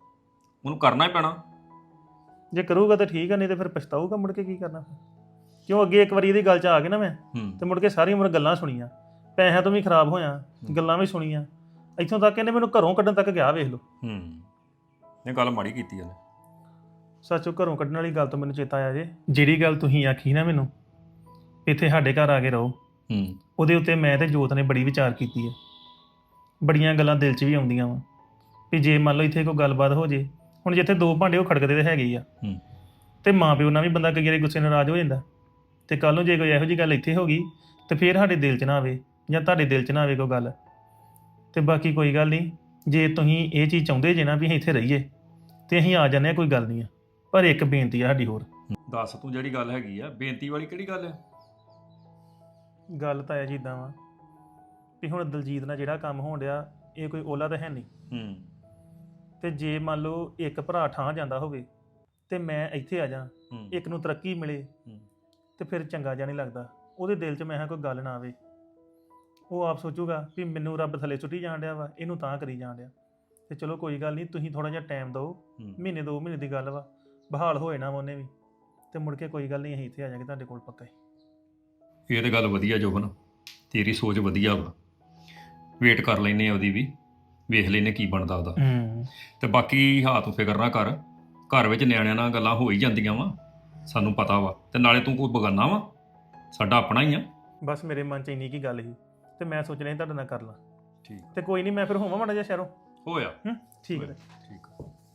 ਉਹਨੂੰ ਕਰਨਾ ਹੀ ਪੈਣਾ। ਜੇ ਕਰੂਗਾ ਤਾਂ ਠੀਕ ਆ, ਨਹੀਂ ਤੇ ਫਿਰ ਪਛਤਾਊਗਾ ਮੁੜ ਕੇ ਕੀ ਕਰਨਾ ਫਿਰ। ਕਿਉਂ ਅੱਗੇ ਇੱਕ ਵਾਰੀ ਇਹਦੀ ਗੱਲ 'ਚ ਆ ਕੇ ਨਾ ਮੈਂ ਤੇ ਮੁੜ ਕੇ ਸਾਰੀ ਉਮਰ ਗੱਲਾਂ ਸੁਣੀਆਂ, ਪੈਸਿਆਂ ਤੋਂ ਵੀ ਖਰਾਬ ਹੋਇਆ, ਗੱਲਾਂ ਵੀ ਸੁਣੀਆਂ, ਇੱਥੋਂ ਤੱਕ ਇਹਨੇ ਮੈਨੂੰ ਘਰੋਂ ਕੱਢਣ ਤੱਕ ਗਿਆ, ਵੇਖ ਲਓ। ਇਹ ਗੱਲ ਮਾੜੀ ਕੀਤੀ ਉਹਨੇ। ਸੱਚੋ ਘਰੋਂ ਕੱਢਣ ਵਾਲੀ ਗੱਲ ਤੋਂ ਮੈਨੂੰ ਚੇਤਾ ਆਇਆ ਜੇ, ਜਿਹੜੀ ਗੱਲ ਤੁਸੀਂ ਆਖੀ ਨਾ ਮੈਨੂੰ ਇੱਥੇ ਸਾਡੇ ਘਰ ਆ ਕੇ ਰਹੋ, ਉਹਦੇ ਉੱਤੇ ਮੈਂ ਤੇ ਜੋਤ ਨੇ ਬੜੀ ਵਿਚਾਰ ਕੀਤੀ ਹੈ। ਬੜੀਆਂ ਗੱਲਾਂ ਦਿਲ 'ਚ ਵੀ ਆਉਂਦੀਆਂ ਵਾ ਵੀ ਜੇ ਮੰਨ ਲਓ ਇੱਥੇ ਕੋਈ ਗੱਲਬਾਤ ਹੋ ਜੇ, ਹੁਣ ਜਿੱਥੇ ਦੋ ਭਾਂਡੇ ਉਹ ਖੜਕਦੇ ਤੇ ਹੈਗੇ ਹੀ ਆ, ਤੇ ਮਾਂ ਪਿਓ ਨਾਲ ਵੀ ਬੰਦਾ ਕਈ ਵਾਰੀ ਗੁੱਸੇ ਨਾਰਾਜ਼ ਹੋ ਜਾਂਦਾ, ਤੇ ਕੱਲ ਨੂੰ ਜੇ ਕੋਈ ਇਹੋ ਜਿਹੀ ਗੱਲ ਇੱਥੇ ਹੋ ਗਈ ਤੇ ਫਿਰ ਸਾਡੇ ਦਿਲ 'ਚ ਨਾ ਆਵੇ ਜਾਂ ਤੁਹਾਡੇ ਦਿਲ 'ਚ ਨਾ ਆਵੇ ਕੋਈ ਗੱਲ। ਤੇ ਬਾਕੀ ਕੋਈ ਗੱਲ ਨਹੀਂ, ਜੇ ਤੁਸੀਂ ਇਹ ਚੀਜ਼ ਚਾਹੁੰਦੇ ਜੇ ਨਾ ਵੀ ਅਸੀਂ ਇੱਥੇ ਰਹੀਏ ਤੇ ਅਸੀਂ ਆ ਜਾਂਦੇ ਹਾਂ, ਕੋਈ ਗੱਲ ਨਹੀਂ ਆ। ਪਰ ਇੱਕ ਬੇਨਤੀ ਆ ਸਾਡੀ ਹੋਰ। ਦੱਸ ਤੂੰ ਜਿਹੜੀ ਗੱਲ ਹੈਗੀ ਆ, ਬੇਨਤੀ ਵਾਲੀ ਕਿਹੜੀ ਗੱਲ ਹੈ? ਗੱਲ ਤਾਂ ਇਹ ਜਿੱਦਾਂ ਵਾ ਵੀ ਹੁਣ ਦਲਜੀਤ ਨਾਲ ਜਿਹੜਾ ਕੰਮ ਹੋਣ ਡਿਆ, ਇਹ ਕੋਈ ਓਲਾ ਤਾਂ ਹੈ ਨਹੀਂ। ਤੇ ਜੇ ਮੰਨ ਲਓ ਇੱਕ ਭਰਾ ਠਾਂ ਜਾਂਦਾ ਹੋਵੇ ਤੇ ਮੈਂ ਇੱਥੇ ਆ ਜਾ, ਇੱਕ ਨੂੰ ਤਰੱਕੀ ਮਿਲੇ ਤੇ ਫਿਰ ਚੰਗਾ ਜਿਹਾ ਨਹੀਂ ਲੱਗਦਾ। ਉਹਦੇ ਦਿਲ 'ਚ ਮੈਂ ਕਿਹਾ ਕੋਈ ਗੱਲ ਨਾ ਆਵੇ, ਉਹ ਆਪ ਸੋਚੂਗਾ ਵੀ ਮੈਨੂੰ ਰੱਬ ਥੱਲੇ ਸੁੱਟੀ ਜਾਣ ਡਿਆ ਵਾ, ਇਹਨੂੰ ਤਾਂ ਕਰੀ ਜਾਣ ਡਿਆ। ਤੇ ਚਲੋ ਕੋਈ ਗੱਲ ਨਹੀਂ, ਤੁਸੀਂ ਥੋੜਾ ਜਿਹਾ ਟਾਈਮ ਦਿਓ, ਮਹੀਨੇ 2 ਮਹੀਨੇ ਦੀ ਗੱਲ ਵਾ, ਬਹਾਲ ਹੋਏ ਨਾ ਉਹਨੇ ਵੀ, ਤੇ ਮੁੜ ਕੇ ਕੋਈ ਗੱਲ ਨਹੀਂ, ਅਸੀਂ ਇੱਥੇ ਆ ਜਾਾਂਗੇ ਤੁਹਾਡੇ ਕੋਲ ਪੱਕਾ ਹੀ। ਇਹ ਤਾਂ ਗੱਲ ਵਧੀਆ ਜੋਬਨ, ਤੇਰੀ ਸੋਚ ਵਧੀਆ ਵਾ। ਵੇਟ ਕਰ ਲੈਨੇ ਆ ਉਹਦੀ ਵੀ, ਵੇਖ ਲੈਨੇ ਕੀ ਬਣਦਾ ਉਹਦਾ। ਤੇ ਬਾਕੀ ਹਾਂ ਤੂੰ ਫਿਕਰ ਨਾ ਕਰ, ਘਰ ਵਿੱਚ ਨਿਆਣਿਆਂ ਨਾਲ ਗੱਲਾਂ ਹੋ ਹੀ ਜਾਂਦੀਆਂ ਵਾ, ਸਾਨੂੰ ਪਤਾ ਵਾ। ਤੇ ਨਾਲੇ ਤੂੰ ਕੋਈ ਬਗਾਨਾ ਵਾ, ਸਾਡਾ ਆਪਣਾ ਹੀ ਆ। ਬਸ ਮੇਰੇ ਮਨ 'ਚ ਇੰਨੀ ਕੀ ਗੱਲ ਸੀ ਤੇ ਮੈਂ ਸੋਚ ਰਿਹਾ ਤੁਹਾਡੇ ਨਾਲ ਕਰ ਲਾਂ। ਠੀਕ ਤੇ ਕੋਈ ਨਹੀਂ, ਮੈਂ ਫਿਰ ਹੋਵਾਂ ਮਾੜਾ ਜਿਹਾ ਸ਼ਹਿਰੋਂ। ਹੋਇਆ ਠੀਕ ਹੈ। ਠੀਕ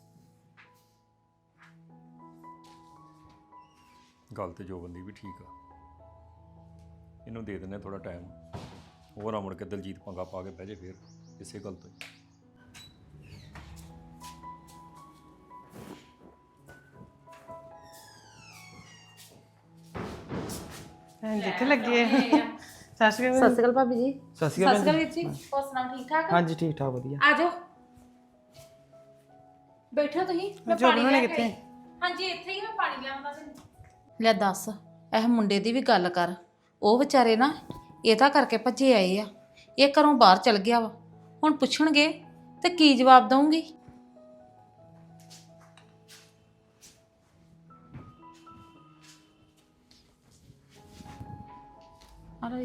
ਗੱਲ ਤੇ ਜੋਬਨ ਦੀ ਵੀ ਠੀਕ ਆ, ਇਹਨੂੰ ਦੇ ਦਿੰਦੇ ਥੋੜਾ ਟਾਈਮ ਹੋਰ, ਆ ਮੁੜ ਕੇ ਦਲਜੀਤ ਪੰਗਾ ਪਾ ਕੇ ਬਹਿ ਜੇ ਫੇਰ ਇਸੇ ਗੱਲ ਤੋਂ ਹੀ। ਜਿੱਥੇ ਲੱਗੇ ਸਤਿ ਸ਼੍ਰੀ ਸਤਿ ਸ਼੍ਰੀ ਅਕਾਲ ਭਾਬੀ ਜੀ। ਸਤਿ ਸ਼੍ਰੀ ਅਕਾਲ ਸਤਿ ਸ਼੍ਰੀ ਅਕਾਲ ਵੀਰ ਜੀ, ਹੋਰ ਸੁਣਾਓ ਠੀਕ ਠਾਕ? ਹਾਂਜੀ ਠੀਕ ਠਾਕ ਵਧੀਆ। ਆ ਜਾਓ ਬੈਠੋ ਤੁਸੀਂ, ਮੈਂ ਪਾਣੀ ਲੈ ਕੇ ਆਈ। ਹਾਂਜੀ ਇੱਥੇ ਹੀ, ਮੈਂ ਪਾਣੀ ਲਿਆਉਂਦਾ ਤੈਨੂੰ। ਲੈ ਦੱਸ, ਇਹ ਮੁੰਡੇ ਦੀ ਵੀ ਗੱਲ ਕਰ, ਉਹ ਵਿਚਾਰੇ ਨਾ ਇਹਦਾ ਕਰਕੇ ਭੱਜੇ ਆਏ ਆ, ਇਹ ਘਰੋਂ ਬਾਹਰ ਚਲ ਗਿਆ ਵਾ, ਹੁਣ ਪੁੱਛਣਗੇ ਤੇ ਕੀ ਜਵਾਬ ਦਊਂਗੀ? ਅਰੇ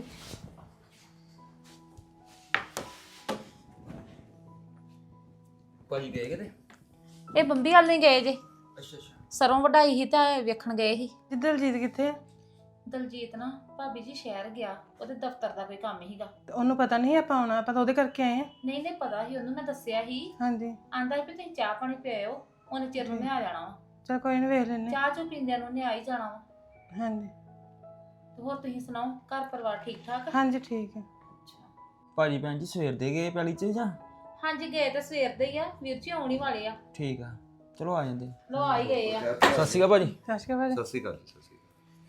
ਭਾਜੀ ਗਏ ਕਿਤੇ? ਇਹ ਬੰਬੀ ਹਾਲ ਨਹੀਂ ਗਏ ਜੇ, ਅੱਛਾ ਅੱਛਾ। ਸਰੋਂ ਵਢਾਈ ਸੀ ਤਾਂ ਵੇਖਣ ਗਏ ਸੀ। ਦਲਜੀਤ ਕਿੱਥੇ ਆ? ਦਲਜੀਤ ਨਾ ਭਾਬੀ ਜੀ ਸ਼ਹਿਰ ਗਿਆ, ਉਹਦੇ ਦਫ਼ਤਰ ਦਾ ਕੋਈ ਕੰਮ ਹੀਗਾ। ਤੇ ਉਹਨੂੰ ਪਤਾ ਨਹੀਂ ਆਪਾਂ ਆਉਣਾ, ਆਪਾਂ ਤਾਂ ਉਹਦੇ ਕਰਕੇ ਆਏ ਆ। ਨਹੀਂ ਨਹੀਂ ਪਤਾ ਸੀ ਉਹਨੂੰ, ਮੈਂ ਦੱਸਿਆ ਸੀ। ਹਾਂਜੀ ਆਂਦਾ ਸੀ ਵੀ ਤੁਸੀਂ ਚਾਹ ਪਾਣੀ ਪਿਆਓ, ਉਹਨੇ ਚਿਰ ਨੂੰ ਮੈਂ ਆ ਜਾਣਾ ਵਾ। ਚਲ ਕੋਈ ਨਹੀਂ, ਵੇਖ ਲੈਨੇ। ਚਾਹ ਚੋ ਪੀਂਦਿਆਂ ਨੂੰ ਉਹਨੇ ਆ ਹੀ ਜਾਣਾ ਵਾ। ਹਾਂਜੀ ਤੇ ਹੋਰ ਤੁਸੀਂ ਸੁਣਾਓ, ਘਰ ਪਰਿਵਾਰ ਠੀਕ ਠਾਕ? ਹਾਂਜੀ ਠੀਕ ਹੈ। ਭਾਜੀ ਭੈਣ ਜੀ ਸਵੇਰ ਦੇ ਗਏ ਪੈਲੀ 'ਚ ਜਾਂ? ਹਾਂਜੀ ਗਏ ਤਾਂ ਸਵੇਰ ਦੇ ਹੀ ਆ, ਵੀਰ ਜੀ ਆਉਣ ਹੀ ਵਾਲੇ ਆ। ਠੀਕ ਆ, ਚਲੋ ਆ ਜਾਂਦੇ। ਲੋ ਆ ਹੀ ਗਏ ਆ। ਸਤਿ ਸ਼੍ਰੀ ਅਕਾਲ ਭਾਜੀ। ਸਤਿ ਸ਼੍ਰੀ ਅਕਾਲ। ਸਤਿ ਸ਼੍ਰੀ ਅਕਾਲ। ਸਤਿ ਸ਼੍ਰੀ ਅਕਾਲ।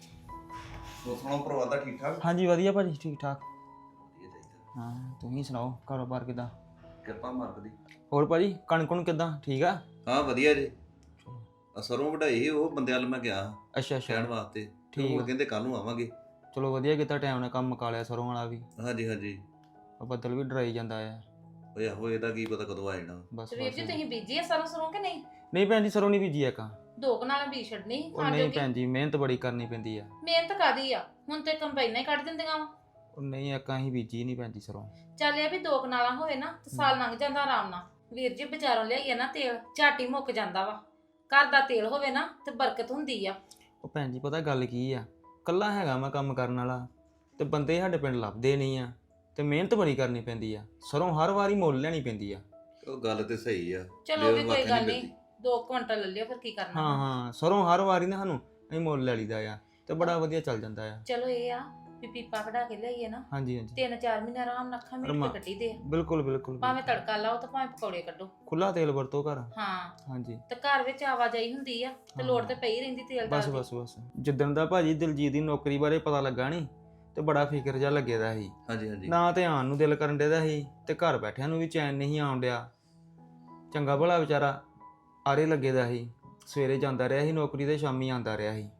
ਹੋਰ ਸੁਣਾਓ, ਪਰਿਵਾਰ ਦਾ ਠੀਕ ਠਾਕ? ਹਾਂਜੀ ਵਧੀਆ ਭਾਜੀ, ਠੀਕ ਠਾਕ। ਵਧੀਆ ਚਾਹੀਦਾ। ਹਾਂ ਤੁਸੀਂ ਸੁਣਾਓ, ਕਾਰੋਬਾਰ ਕਿਦਾਂ? ਕਿਰਪਾ ਮਾਲਕ ਦੀ। ਹੋਰ ਭਾਜੀ ਕਣਕ ਕੁਣ ਕਿਦਾਂ, ਠੀਕ ਆ? ਹਾਂ ਵਧੀਆ ਜੀ। ਸਰੋਂ ਵਢਾਈ ਸੀ, ਉਹ ਬੰਦੇ ਵੱਲ ਮੈਂ ਗਿਆ ਅੱਛਾ ਅੱਛਾ ਕਹਿਣ ਵਾਸਤੇ। ਠੀਕ ਉਹ ਆ। ਕਹਿੰਦੇ ਕੱਲ ਨੂੰ ਆਵਾਂਗੇ। ਚਲੋ ਵਧੀਆ ਕੀਤਾ, ਟਾਈਮ ਨਾਲ ਕੰਮ ਮੁਕਾ ਲਿਆ ਸਰੋਂ ਵਾਲਾ ਵੀ। ਹਾਂਜੀ ਹਾਂਜੀ। ਉਹ ਬੱਦਲ ਵੀ ਡਰਾਈ ਜਾਂਦਾ ਆ। ਓਏ ਆਹੋ, ਇਹਦਾ ਕੀ ਪਤਾ ਕਦੋਂ ਆ ਜਾਣਾ। ਬਸ ਤੇ ਵੀਰ ਜੀ ਬਸ। ਤੁਸੀਂ ਬੀਜੀ ਆ ਸਰੋਂ ਸਰੋਂ ਕਿ ਨਹੀਂ? ਨਹੀਂ ਭੈਣ ਜੀ ਸਰੋਂ ਨਹੀਂ ਬੀਜੀ ਇੱਕ। ਦੋ ਕਨਾਲਾਂ ਬੀਜ ਛੱਡਣੀ ਸੀ ਉਹ ਖਾਣ ਨਹੀਂ ਜੋਗੀ। ਭੈਣ ਜੀ, ਮਿਹਨਤ ਬੜੀ ਕਰਨੀ ਪੈਂਦੀ ਆ। ਮਿਹਨਤ ਕਾਦੀ ਆ, ਹੁਣ ਤੇ ਕੰਬਾਈਨਾਂ ਹੀ ਕੱਢ ਦਿੰਦੀਆਂ ਵਾ। ਉਹ ਨਹੀਂ ਇੱਕ ਅਸੀਂ ਬੀਜੀ ਨਹੀਂ ਭੈਣ ਜੀ ਸਰੋਂ। ਚੱਲ ਇਹ ਵੀ ਦੋ ਕਨਾਲਾਂ ਹੋਵੇ ਨਾ ਤੇ ਸਾਲ ਲੰਘ ਜਾਂਦਾ ਆਰਾਮ ਨਾਲ। ਵੀਰ ਜੀ ਬਾਜ਼ਾਰੋਂ ਲਿਆਈਏ ਨਾ ਤੇਲ, ਝਾਟੀ ਮੁੱਕ ਜਾਂਦਾ ਵਾ। ਘਰ ਦਾ ਤੇਲ ਹੋਵੇ ਨਾ ਤੇ ਬਰਕਤ ਹੁੰਦੀ ਆ। ਉਹ ਭੈਣ ਜੀ ਪਤਾ ਗੱਲ ਕੀ ਆ, ਕੱਲਾ ਹੈਗਾ ਮੈਂ ਕੰਮ ਕਰਨ ਵਾਲਾ, ਤੇ ਬੰਦੇ ਸਾਡੇ ਪਿੰਡ ਲੱਭਦੇ ਨਹੀਂ ਆ, ਤੇ ਮਿਹਨਤ ਬੜੀ ਕਰਨੀ ਪੈਂਦੀ ਆ। ਸਰੋਂ ਹਰ ਵਾਰੀ ਮੁੱਲ ਲੈਣੀ ਪੈਂਦੀ ਆ। ਉਹ ਗੱਲ ਤੇ ਸਹੀ ਆ। ਚਲੋ ਵੀ ਲੇਬਰ ਕੋਈ ਵਾਸਤੇ ਗੱਲ ਨਹੀਂ ਨਹੀਂ, 2 ਕੁਇੰਟਲ ਲੈ ਲਿਓ, ਫਿਰ ਕੀ ਕਰਨਾ। ਹਾਂ ਹਾਂ ਸਰੋਂ ਹਰ ਵਾਰੀ ਨਾ ਸਾਨੂੰ ਅਸੀਂ ਮੁੱਲ ਲੈ ਲਈਦਾ ਆ, ਤੇ ਬੜਾ ਵਧੀਆ ਚੱਲ ਜਾਂਦਾ ਆ। ਚਲੋ ਇਹ ਆ ਵੀ ਪੀਪਾ ਕਢਾ ਕੇ ਲਿਆਈਏ ਨਾ, ਹਾਂਜੀ ਹਾਂਜੀ 3-4 ਮਹੀਨੇ ਆਰਾਮ ਨਾਲ ਅੱਖਾਂ ਮੀਟ ਰਮਾ। ਕੇ ਕੱਢੀ ਦੇ ਆ। ਬਿਲਕੁਲ ਬਿਲਕੁਲ ਭਾਵੇਂ ਤੜਕਾ ਲਾਓ ਤੇ ਭਾਵੇਂ ਪਕੌੜੇ ਕੱਢੋ। ਖੁੱਲਾ ਤੇਲ ਵਰਤੋ ਘਰ। ਹਾਂ ਹਾਂਜੀ ਤੇ ਘਰ ਵਿੱਚ ਆਵਾਜਾਈ ਹੁੰਦੀ ਆ ਤੇ ਲੋੜ ਤੇ ਪਈ ਰਹਿੰਦੀ ਤੇਲ ਬਸ ਦਾਲ ਦੀ। ਬਸ ਬਸ। ਜਿੱਦਣ ਦਾ ਭਾਜੀ ਦਿਲਜੀਤ ਦੀ ਨੌਕਰੀ ਬਾਰੇ ਪਤਾ ਲੱਗਾ ਨਹੀਂ, ਤੇ ਬੜਾ ਫਿਕਰ ਜਿਹਾ ਲੱਗੇਦਾ ਸੀ। ਹਾਂਜੀ ਹਾਂਜੀ। ਨਾ ਤੇ ਆਉਣ ਨੂੰ ਦਿਲ ਕਰਨ ਡਿਆ ਸੀ, ਤੇ ਘਰ ਬੈਠਿਆਂ ਨੂੰ ਵੀ ਚੈਨ ਨਹੀਂ ਆਉਣ ਡਿਆ। ਚੰਗਾ ਭਲਾ ਵਿਚਾਰਾ ਆਰੇ ਲੱਗੇਦਾ ਸੀ, ਸਵੇਰੇ ਜਾਂਦਾ ਰਿਹਾ ਸੀ ਨੌਕਰੀ ਤੇ ਸ਼ਾਮੀ ਆਉਂਦਾ ਰਿਹਾ ਸੀ।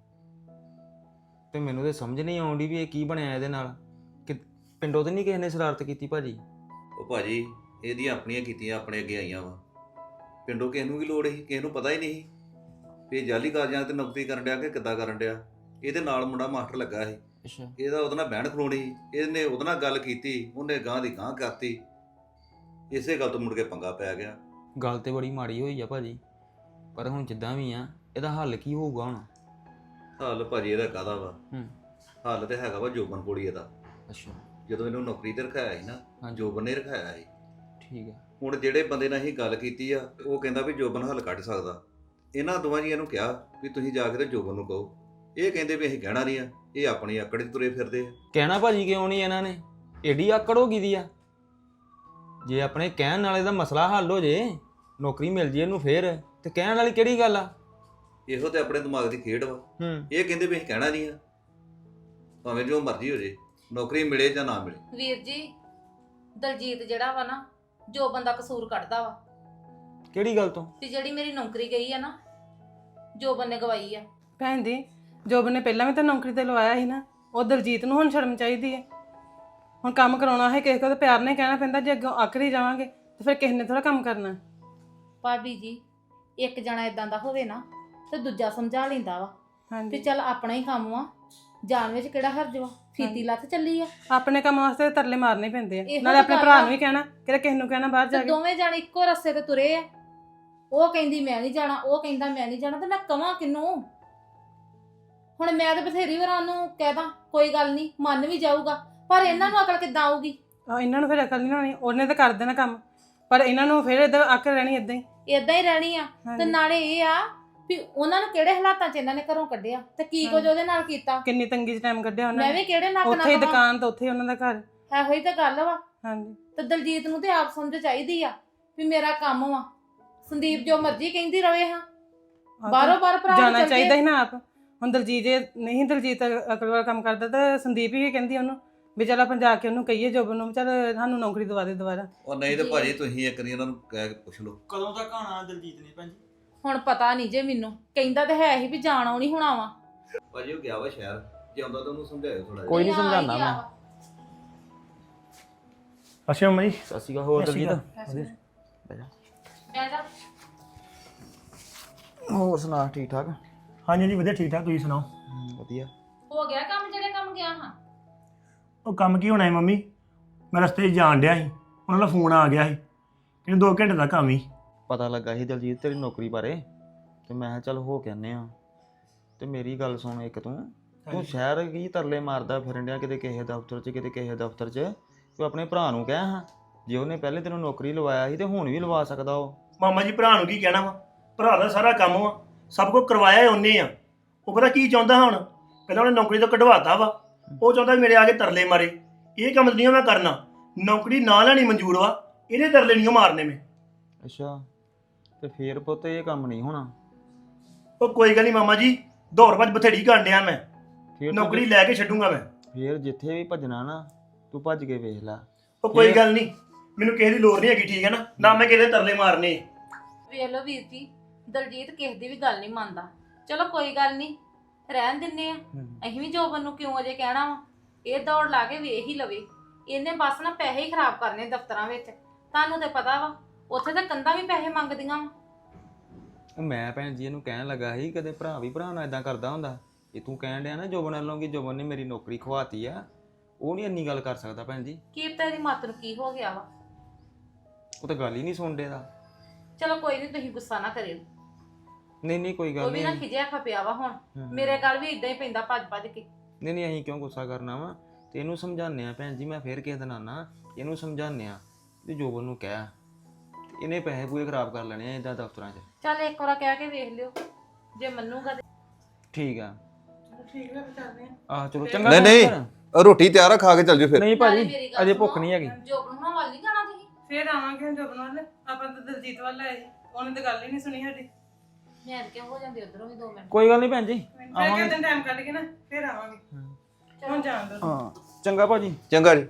ਤੇ ਮੈਨੂੰ ਤੇ ਸਮਝ ਨਹੀਂ ਆਉਂਦੀ ਵੀ ਇਹ ਕੀ ਬਣਿਆ ਇਹਦੇ ਨਾਲ, ਕਿ ਪਿੰਡੋਂ ਤੇ ਨਹੀਂ ਕਿਸੇ ਨੇ ਸ਼ਰਾਰਤ ਕੀਤੀ ਭਾਜੀ? ਉਹ ਭਾਜੀ ਇਹਦੀਆਂ ਆਪਣੀਆਂ ਕੀਤੀਆਂ ਆਪਣੇ ਅੱਗੇ ਆਈਆਂ ਵਾ। ਪਿੰਡੋਂ ਕਿਸੇ ਨੂੰ ਵੀ ਲੋੜ ਸੀ, ਕਿਸੇ ਨੂੰ ਪਤਾ ਹੀ ਨਹੀਂ ਸੀ ਵੀ ਇਹ ਜਾਲੀ ਕਾਗਜ਼ਾਂ ਤੇ ਨੌਕਰੀ ਕਰਨ ਡਿਆ ਕਿ ਕਿੱਦਾਂ ਕਰਨ ਡਿਆ। ਇਹਦੇ ਨਾਲ ਮੁੰਡਾ ਮਾਸਟਰ ਲੱਗਾ ਸੀ, ਅੱਛਾ ਇਹਦਾ ਉਹਦੇ ਨਾਲ ਬਹਿਣ ਖਲੋਣੀ ਸੀ, ਇਹਨੇ ਉਹਦੇ ਨਾਲ ਗੱਲ ਕੀਤੀ, ਉਹਨੇ ਗਾਂ ਦੀ ਗਾਂ ਕਰਤੀ, ਇਸੇ ਗੱਲ ਤੋਂ ਮੁੜ ਕੇ ਪੰਗਾ ਪੈ ਗਿਆ। ਗੱਲ ਤੇ ਬੜੀ ਮਾੜੀ ਹੋਈ ਆ ਭਾਜੀ, ਪਰ ਹੁਣ ਜਿੱਦਾਂ ਵੀ ਆ ਇਹਦਾ ਹੱਲ ਕੀ ਹੋਊਗਾ ਹੁਣ? ਹੱਲ ਭਾਜੀ ਇਹਦਾ ਕਾਹਦਾ ਵਾ, ਹੂੰ ਹੱਲ ਤੇ ਹੈਗਾ ਵਾ ਜੋਬਨ ਕੋਲ ਹੀ ਇਹਦਾ। ਅੱਛਾ ਜਦੋਂ ਇਹਨੂੰ ਨੌਕਰੀ ਤੇ ਰਖਾਇਆ ਸੀ ਨਾ, ਹਾਂਜੀ। ਜੋਬਨ ਨੇ ਰਖਾਇਆ ਸੀ। ਠੀਕ ਆ। ਹੁਣ ਜਿਹੜੇ ਬੰਦੇ ਨਾਲ ਅਸੀਂ ਗੱਲ ਕੀਤੀ ਆ ਉਹ ਕਹਿੰਦਾ ਵੀ ਜੋਬਨ ਹੱਲ ਕੱਢ ਸਕਦਾ। ਇਹਨਾਂ ਦੋਵਾਂ ਜੀਆਂ ਨੂੰ ਕਿਹਾ ਵੀ ਤੁਸੀਂ ਜਾ ਕੇ ਤੇ ਜੋਬਨ ਨੂੰ ਕਹੋ, ਇਹ ਕਹਿੰਦੇ ਵੀ ਅਸੀਂ ਕਹਿਣਾ ਨਹੀਂ ਆ, ਇਹ ਆਪਣੀ ਆਕੜ 'ਚ ਤੁਰੇ ਫਿਰਦੇ ਆ। ਕਹਿਣਾ ਭਾਜੀ ਕਿਉਂ ਨਹੀਂ ਇਹਨਾਂ ਨੇ? ਏਡੀ ਆਕੜ ਹੋ ਗਈ ਦੀ ਆ। ਜੇ ਆਪਣੇ ਕਹਿਣ ਨਾਲੇ ਦਾ ਮਸਲਾ ਹੱਲ ਹੋ ਜੇ, ਨੌਕਰੀ ਮਿਲ ਜੇ ਇਹਨੂੰ ਫੇਰ, ਤੇ ਕਹਿਣ ਵਾਲੀ ਕਿਹੜੀ ਗੱਲ ਆ? ਇਹੋ ਤੇ ਆਪਣੇ ਦਿਮਾਗ ਦੀ ਖੇਡ ਵਾ। ਹੂੰ ਇਹ ਕਹਿੰਦੇ ਵੀ ਅਸੀਂ ਕਹਿਣਾ ਨਹੀਂ ਆ, ਭਾਵੇਂ ਜੋ ਮਰਜ਼ੀ ਹੋ ਜੇ, ਨੌਕਰੀ ਮਿਲੇ ਜਾਂ ਨਾ ਮਿਲੇ। ਵੀਰ ਜੀ ਦਲਜੀਤ ਜਿਹੜਾ ਵਾ ਨਾ, ਜੋ ਬੰਦਾ ਕਸੂਰ ਕੱਢਦਾ ਵਾ ਕਿਹੜੀ ਗੱਲ ਤੋਂ? ਤੇ ਜਿਹੜੀ ਮੇਰੀ ਨੌਕਰੀ ਗਈ ਆ ਨਾ, ਜੋ ਬੰਨੇ ਗਵਾਈ ਆ। ਭੈਣ ਜੀ ਜੋਬਨ ਨੇ ਪਹਿਲਾਂ ਵੀ ਤਾਂ ਨੌਕਰੀ ਤੇ ਲਵਾਇਆ ਸੀ ਨਾ, ਉਹ ਦਲਜੀਤ ਨੂੰ ਹੁਣ ਸ਼ਰਮ ਚਾਹੀਦੀ ਹੈ। ਹੁਣ ਕੰਮ ਕਰਾਉਣਾ ਹੈ ਕਿਸੇ ਕੋਲ ਤਾਂ ਪਿਆਰ ਨਾਲ ਹੀ ਕਹਿਣਾ ਪੈਂਦਾ, ਜੇ ਅੱਗੋਂ ਆਖਰੀ ਜਾਵਾਂਗੇ ਤੇ ਫਿਰ ਕਿਸੇ ਨੇ ਥੋੜਾ ਕੰਮ ਕਰਨਾ। ਭਾਬੀ ਜੀ ਇੱਕ ਜਣਾ ਇਦਾਂ ਦਾ ਹੋਵੇ ਨਾ ਤੇ ਦੂਜਾ ਸਮਝਾ ਲੈਂਦਾ ਵਾ ਤੇ ਹਾਂਜੀ ਚੱਲ ਆਪਣਾ ਹੀ ਕੰਮ ਵਾ, ਜਾਣ ਵਿੱਚ ਕਿਹੜਾ ਹਰਜ ਵਾ, ਫੀਤੀ ਲੱਥ ਚੱਲੀ ਆ। ਆਪਣੇ ਕੰਮ ਵਾਸਤੇ ਤਰਲੇ ਮਾਰਨੇ ਪੈਂਦੇ ਆ, ਇਹੋ ਨਾਲੇ ਤਾਂ ਆਪਣੇ ਗੱਲ ਭਰਾ ਆ। ਨੂੰ ਵੀ ਕਹਿਣਾ ਕਿਹੜਾ ਕਿਸੇ ਨੂੰ ਕਹਿਣਾ ਬਾਹਰ ਜਾ ਤੇ ਕੇ। ਦੋਵੇਂ ਜਾਣੇ ਇੱਕੋ ਰਸਤੇ ਤੇ ਤੁਰੇ ਆ, ਉਹ ਕਹਿੰਦੀ ਮੈਂ ਨਹੀਂ ਜਾਣਾ, ਉਹ ਕਹਿੰਦਾ ਮੈਂ ਨਹੀਂ ਜਾਣਾ, ਤੇ ਮੈਂ ਕਵਾਂ ਕਿਹਨੂੰ? ਹੁਣ ਮੈਂ ਤਾਂ ਬਥੇਰੀ ਵਾਰ ਉਹਨੂੰ ਕਹਿਦਾ ਕੋਈ ਗੱਲ ਨਹੀਂ, ਮੰਨ ਵੀ ਜਾਊਗਾ, ਪਰ ਇਹਨਾਂ ਨੂੰ ਅਕਲ ਕਿੱਦਾਂ ਆਊਗੀ? ਇਹਨਾਂ ਨੂੰ ਫਿਰ ਅਕਲ ਨਹੀਂ ਹੋਣੀ, ਉਹਨੇ ਤਾਂ ਕਰ ਦੇਣਾ ਕੰਮ, ਪਰ ਇਹਨਾਂ ਨੂੰ ਫਿਰ ਇਦਾਂ ਅੱਕ ਰਹਿਣੀ ਇਦਾਂ ਹੀ। ਇਦਾਂ ਹੀ ਰਹਿਣੀ ਆ। ਤੇ ਹਾਂਜੀ। ਨਾਲੇ ਇਹ ਆ ਵੀ ਉਹਨਾਂ ਨੂੰ ਕਿਹੜੇ ਹਾਲਾਤਾਂ 'ਚ ਇਹਨਾਂ ਨੇ ਘਰੋਂ ਕੱਢਿਆ ਤੇ ਕੀ ਕੁਝ ਉਹਦੇ ਨਾਲ ਕੀਤਾ। ਕਿੰਨੀ ਤੰਗੀ 'ਚ ਟਾਈਮ ਕੱਢਿਆ ਉਹਨਾਂ ਮੈਂ ਨੇ, ਵੀ ਕਿਹੜੇ ਨੱਕ ਉੱਥੇ ਹੀ ਨਾਲ ਦੁਕਾਨ ਤੇ ਉੱਥੇ ਹੀ ਉਹਨਾਂ ਦਾ ਘਰ। ਇਹੋ ਹੀ ਤਾਂ ਗੱਲ ਵਾ। ਹਾਂਜੀ ਤੇ ਦਲਜੀਤ ਨੂੰ ਤੇ ਆਪ ਸਮਝ ਚਾਹੀਦੀ ਆ ਵੀ ਮੇਰਾ ਕੰਮ ਵਾ, ਸੰਦੀਪ ਜੋ ਮਰਜ਼ੀ ਕਹਿੰਦੀ ਰਵੇ। ਹਾਂ ਬਾਹਰੋਂ ਬਾਹਰ ਭਰਾ ਜਾਣਾ ਚੱਲ ਚਾਹੀਦਾ ਜੇ। ਸੀ ਨਾ ਆਪ। ਹੁਣ ਦਲਜੀਤ ਜੇ ਨਹੀਂ ਦਲਜੀਤ ਅਕਲ ਵਾਲਾ ਕੰਮ ਕਰਦਾ ਤਾਂ ਸੰਦੀਪ ਹੀ ਕਹਿੰਦੀ ਉਹਨੂੰ ਵੀ ਚੱਲ ਆਪਾਂ ਜਾ ਕੇ ਉਹਨੂੰ ਕਹੀਏ ਜੋਬਨ ਨੂੰ ਚੱਲ ਸਾਨੂੰ ਨੌਕਰੀ ਦਵਾ ਦੇ ਦੁਬਾਰਾ। ਉਹ ਨਹੀਂ ਤੇ ਜੀ। ਭਾਜੀ ਤੁਸੀਂ ਇੱਕ ਵਾਰੀ ਉਹਨਾਂ ਨੂੰ ਕਹਿ ਕੇ ਪੁੱਛ ਲਓ। ਕਦੋਂ ਤੱਕ ਆਣਾ ਦਲਜੀਤ ਨੇ ਭੈਣ ਜੀ? ਹੁਣ ਪਤਾ ਨਹੀਂ ਜੇ ਮੈਨੂੰ, ਕਹਿੰਦਾ ਤੇ ਹੈ ਹੀ ਵੀ ਜਾਣਾ ਨਹੀਂ ਹੋਣਾ ਵਾ। ਭਾਜੀ ਉਹ ਗਿਆ ਵਾ ਸ਼ਹਿਰ, ਜੇ ਆਉਂਦਾ ਤਾਂ ਉਹਨੂੰ ਸਮਝਾਇਓ ਥੋੜਾ ਜਿਹਾ। ਕੋਈ ਨਹੀਂ ਆ ਹੀ ਸਮਝਾਉਣਾ ਗਿਆ ਮੈਂ। ਵਾ। ਅੱਛਾ ਮੰਮਾ ਜੀ। ਸਤਿ ਸ਼੍ਰੀ ਅਕਾਲ। ਹੋਰ ਸਤਿ ਸ਼੍ਰੀ ਦਲਜੀਤ? ਬਹਿ ਜਾ। ਹੋਰ ਸੁਣਾ, ਠੀਕ ਠਾਕ? ਹਾਂਜੀ ਜੀ ਵਧੀਆ ਠੀਕ ਠਾਕ, ਤੁਸੀਂ ਸੁਣਾਓ? ਵਧੀਆ। ਹੋ ਗਿਆ ਕੰਮ ਜਿਹੜੇ ਕੰਮ ਗਿਆ ਹਾਂ? ਉਹ ਕੰਮ ਕੀ ਹੋਣਾ ਹੈ ਮੰਮੀ, ਮੈਂ ਰਸਤੇ 'ਚ ਜਾਣ ਡਿਆ ਸੀ, ਉਹਨਾਂ ਦਾ ਫੋਨ ਆ ਗਿਆ ਸੀ, ਕਹਿੰਦੇ 2 ਘੰਟੇ ਦਾ ਕੰਮ ਹੀ। ਪਤਾ ਲੱਗਾ ਸੀ ਦਲਜੀਤ ਤੇਰੀ ਨੌਕਰੀ ਬਾਰੇ, ਤੇ ਮੈਂ ਕਿਹਾ ਚੱਲ ਹੋ ਕੇ ਆਨੇ ਆ। ਤੇ ਮੇਰੀ ਗੱਲ ਸੁਣ, ਇੱਕ ਤੂੰ ਸ਼ਹਿਰ ਕੀ ਤਰਲੇ ਮਾਰਦਾ ਫਿਰਨ ਡਿਆ, ਕਿਤੇ ਕਿਸੇ ਦਫ਼ਤਰ 'ਚ ਕਿਤੇ ਕਿਸੇ ਦਫ਼ਤਰ 'ਚ। ਤੂੰ ਆਪਣੇ ਭਰਾ ਨੂੰ ਕਹਿ ਹਾਂ, ਜੇ ਉਹਨੇ ਪਹਿਲੇ ਤੈਨੂੰ ਨੌਕਰੀ ਲਵਾਇਆ ਸੀ ਤੇ ਹੁਣ ਵੀ ਲਵਾ ਸਕਦਾ ਉਹ। ਮਾਮਾ ਜੀ ਭਰਾ ਨੂੰ ਕੀ ਕਹਿਣਾ ਵਾ, ਭਰਾ ਦਾ ਸਾਰਾ ਕੰਮ ਵਾ, ਸਭ ਕੁਝ ਕਰਵਾਇਆ ਹੀ ਉਹਨੇ ਆ। ਉਹ ਪਤਾ ਕੀ ਚਾਹੁੰਦਾ ਹੁਣ, ਪਹਿਲਾਂ ਉਹਨੇ ਨੌਕਰੀ ਤੋਂ ਕਢਵਾਤਾ ਵਾ, ਉਹ ਚਾਹੁੰਦਾ ਮੇਰੇ ਆ ਕੇ ਤਰਲੇ ਮਾਰੇ। ਇਹ ਕੰਮ ਨਹੀਂ ਮੈਂ ਕਰਨਾ, ਨੌਕਰੀ ਨਾ ਲੈਣੀ ਮਨਜ਼ੂਰ ਵਾ, ਇਹਦੇ ਤਰਲੇ ਨਹੀਂ ਮਾਰਨੇ ਮੈਂ। ਅੱਛਾ, ਤੇ ਫੇਰ ਪੁੱਤ ਇਹ ਕੰਮ ਨਹੀਂ ਹੋਣਾ। ਉਹ ਕੋਈ ਗੱਲ ਨਹੀਂ ਮਾਮਾ ਜੀ, ਦੌੜ ਭੱਜ ਬਥੇੜੀ ਕਰਨ ਡਿਆ ਮੈਂ, ਫੇਰ ਨੌਕਰੀ ਲੈ ਕੇ ਛੱਡੂੰਗਾ ਮੈਂ। ਫੇਰ ਜਿੱਥੇ ਵੀ ਭੱਜਣਾ ਨਾ, ਤੂੰ ਭੱਜ ਕੇ ਵੇਖ ਲੈ। ਉਹ ਕੋਈ ਗੱਲ ਨਹੀਂ, ਮੈਨੂੰ ਕਿਸੇ ਦੀ ਲੋੜ ਨਹੀਂ ਹੈਗੀ, ਠੀਕ ਹੈ ਨਾ, ਨਾ ਮੈਂ ਕਿਸੇ ਦੇ ਤਰਲੇ ਮਾਰਨੇ। ਵੇਖ ਲਓ ਵੀਰ ਜੀ, ਦਲਜੀਤ ਕਿਸੇ ਦੀ ਵੀ ਗੱਲ ਨਹੀਂ ਮੰਨਦਾ। ਚਲੋ ਕੋਈ ਗੱਲ ਨਹੀਂ, ਰਹਿਣ ਦਿੰਨੇ ਆ। ਅਸੀਂ ਵੀ ਜੋਬਨ ਨੂੰ ਕਿਉਂ ਅਜੇ ਕਹਿਣਾ ਵਾ, ਇਹ ਦੌੜ ਲਾ ਕੇ ਵੇਖ ਹੀ ਲਵੇ। ਇਹਨੇ ਬਸ ਨਾ ਪੈਸੇ ਹੀ ਖਰਾਬ ਕਰਨੇ ਦਫ਼ਤਰਾਂ ਵਿੱਚ। ਤੁਹਾਨੂੰ ਤੇ ਪਤਾ ਵਾ ਉੱਥੇ ਤਾਂ ਕੰਧਾਂ ਵੀ ਪੈਸੇ ਮੰਗਦੀਆਂ ਵਾ। ਮੈਂ ਭੈਣ ਜੀ ਇਹਨੂੰ ਕਹਿਣ ਲੱਗਾ ਸੀ, ਕਦੇ ਭਰਾ ਵੀ ਭਰਾ ਨਾਲ ਇਦਾਂ ਕਰਦਾ ਹੁੰਦਾ। ਇਹ ਤੂੰ ਕਹਿਣ ਡਿਆ ਨਾ ਜੋਬਨ ਵੱਲੋਂ ਕਿ ਜੋਬਨ ਨੇ ਮੇਰੀ ਨੌਕਰੀ ਖਵਾਤੀ ਆ, ਉਹ ਨਹੀਂ ਇੰਨੀ ਗੱਲ ਕਰ ਸਕਦਾ ਭੈਣ ਜੀ। ਕੀ ਪਤਾ ਇਹਦੀ ਮੱਤ ਨੂੰ ਕੀ ਹੋ ਗਿਆ ਵਾ। ਉਹ ਤਾਂ ਗੱਲ ਹੀ ਨਹੀਂ ਸੁਣਦੇ ਦਾ। ਚਲੋ ਕੋਈ ਨਹੀਂ, ਤੁਸੀਂ ਗੁੱਸਾ ਨਾ ਕਰਿਓ। ਨਹੀਂ ਕੋਈ ਉਹ ਗੱਲ ਵੀ ਨਾ ਨਹੀਂ। ਖਿਜਿਆ ਖਪਿਆ ਵਾ ਹੁਣ, ਮੇਰੇ ਗੱਲ ਵੀ ਇਦਾਂ ਹੀ ਪੈਂਦਾ ਭੱਜ ਕੇ। ਨਹੀਂ ਅਸੀਂ ਕਿਉਂ ਗੁੱਸਾ ਕਰਨਾ ਵਾ, ਤੇ ਇਹਨੂੰ ਸਮਝਾਉਂਦੇ ਆ ਭੈਣ ਜੀ। ਮੈਂ ਫੇਰ ਕਿਸੇ ਦਿਨ ਆਣਾ, ਇਹਨੂੰ ਸਮਝਾਉਂਦੇ ਆ ਵੀ ਜੋਬਨ ਨੂੰ ਕਹਿ, ਇਹਨੇ ਪੈਸੇ ਪੂਰੇ ਖਰਾਬ ਕਰ ਲੈਣੇ ਆ ਇਦਾਂ ਦਫ਼ਤਰਾਂ 'ਚ। ਚੱਲ ਇੱਕ ਵਾਰ ਕਹਿ ਕੇ ਵੇਖ ਲਿਓ, ਜੇ ਮੰਨੂਗਾ ਤੇ ਠੀਕ ਆ। ਠੀਕ ਹੈ ਚੱਲਦੇ ਆ। ਆਹ ਚਲੋ ਚੰਗਾ। ਨਹੀਂ ਰੋਟੀ ਤਿਆਰ ਆ, ਖਾ ਕੇ ਚੱਲ ਜਾਓ ਫਿਰ। ਨਹੀਂ ਨਾਲੇ ਭਾਜੀ ਮੇਰੀ ਗੱਲ ਅਜੇ ਸੁਣੋ, ਭੁੱਖ ਨਹੀਂ ਹੈਗੀ। ਜੋਬਨ ਹੁਣਾਂ ਵੱਲ ਨਹੀਂ ਜਾਣਾ ਤੁਸੀਂ? ਫਿਰ ਆਵਾਂਗੇ ਜੋਬਨ ਵੱਲ, ਆਪਾਂ ਤਾਂ ਦਲਜੀਤ ਵੱਲ ਆਏ ਸੀ, ਉਹਨੇ ਤਾਂ ਗੱਲ ਹੀ ਨਹੀਂ ਸੁਣੀ ਸਾਡੀ। ਮੈਂ ਕਿਉਂ ਹੋ ਜਾਂਦੀ ਉਧਰੋਂ ਵੀ 2 ਮਿੰਟ। ਕੋਈ ਗੱਲ ਨਹੀਂ ਭੈਣ ਜੀ, ਫਿਰ ਆਵਾਂਗੇ। ਕਿਤੇ ਟਾਈਮ ਕੱਢ ਕੇ ਨਾ ਫਿਰ ਆਵਾਂਗੇ। ਹੁਣ ਜਾਣ ਦੋ। ਹਾਂ ਚੰਗਾ ਭਾਜੀ। ਚੰਗਾ ਜੀ।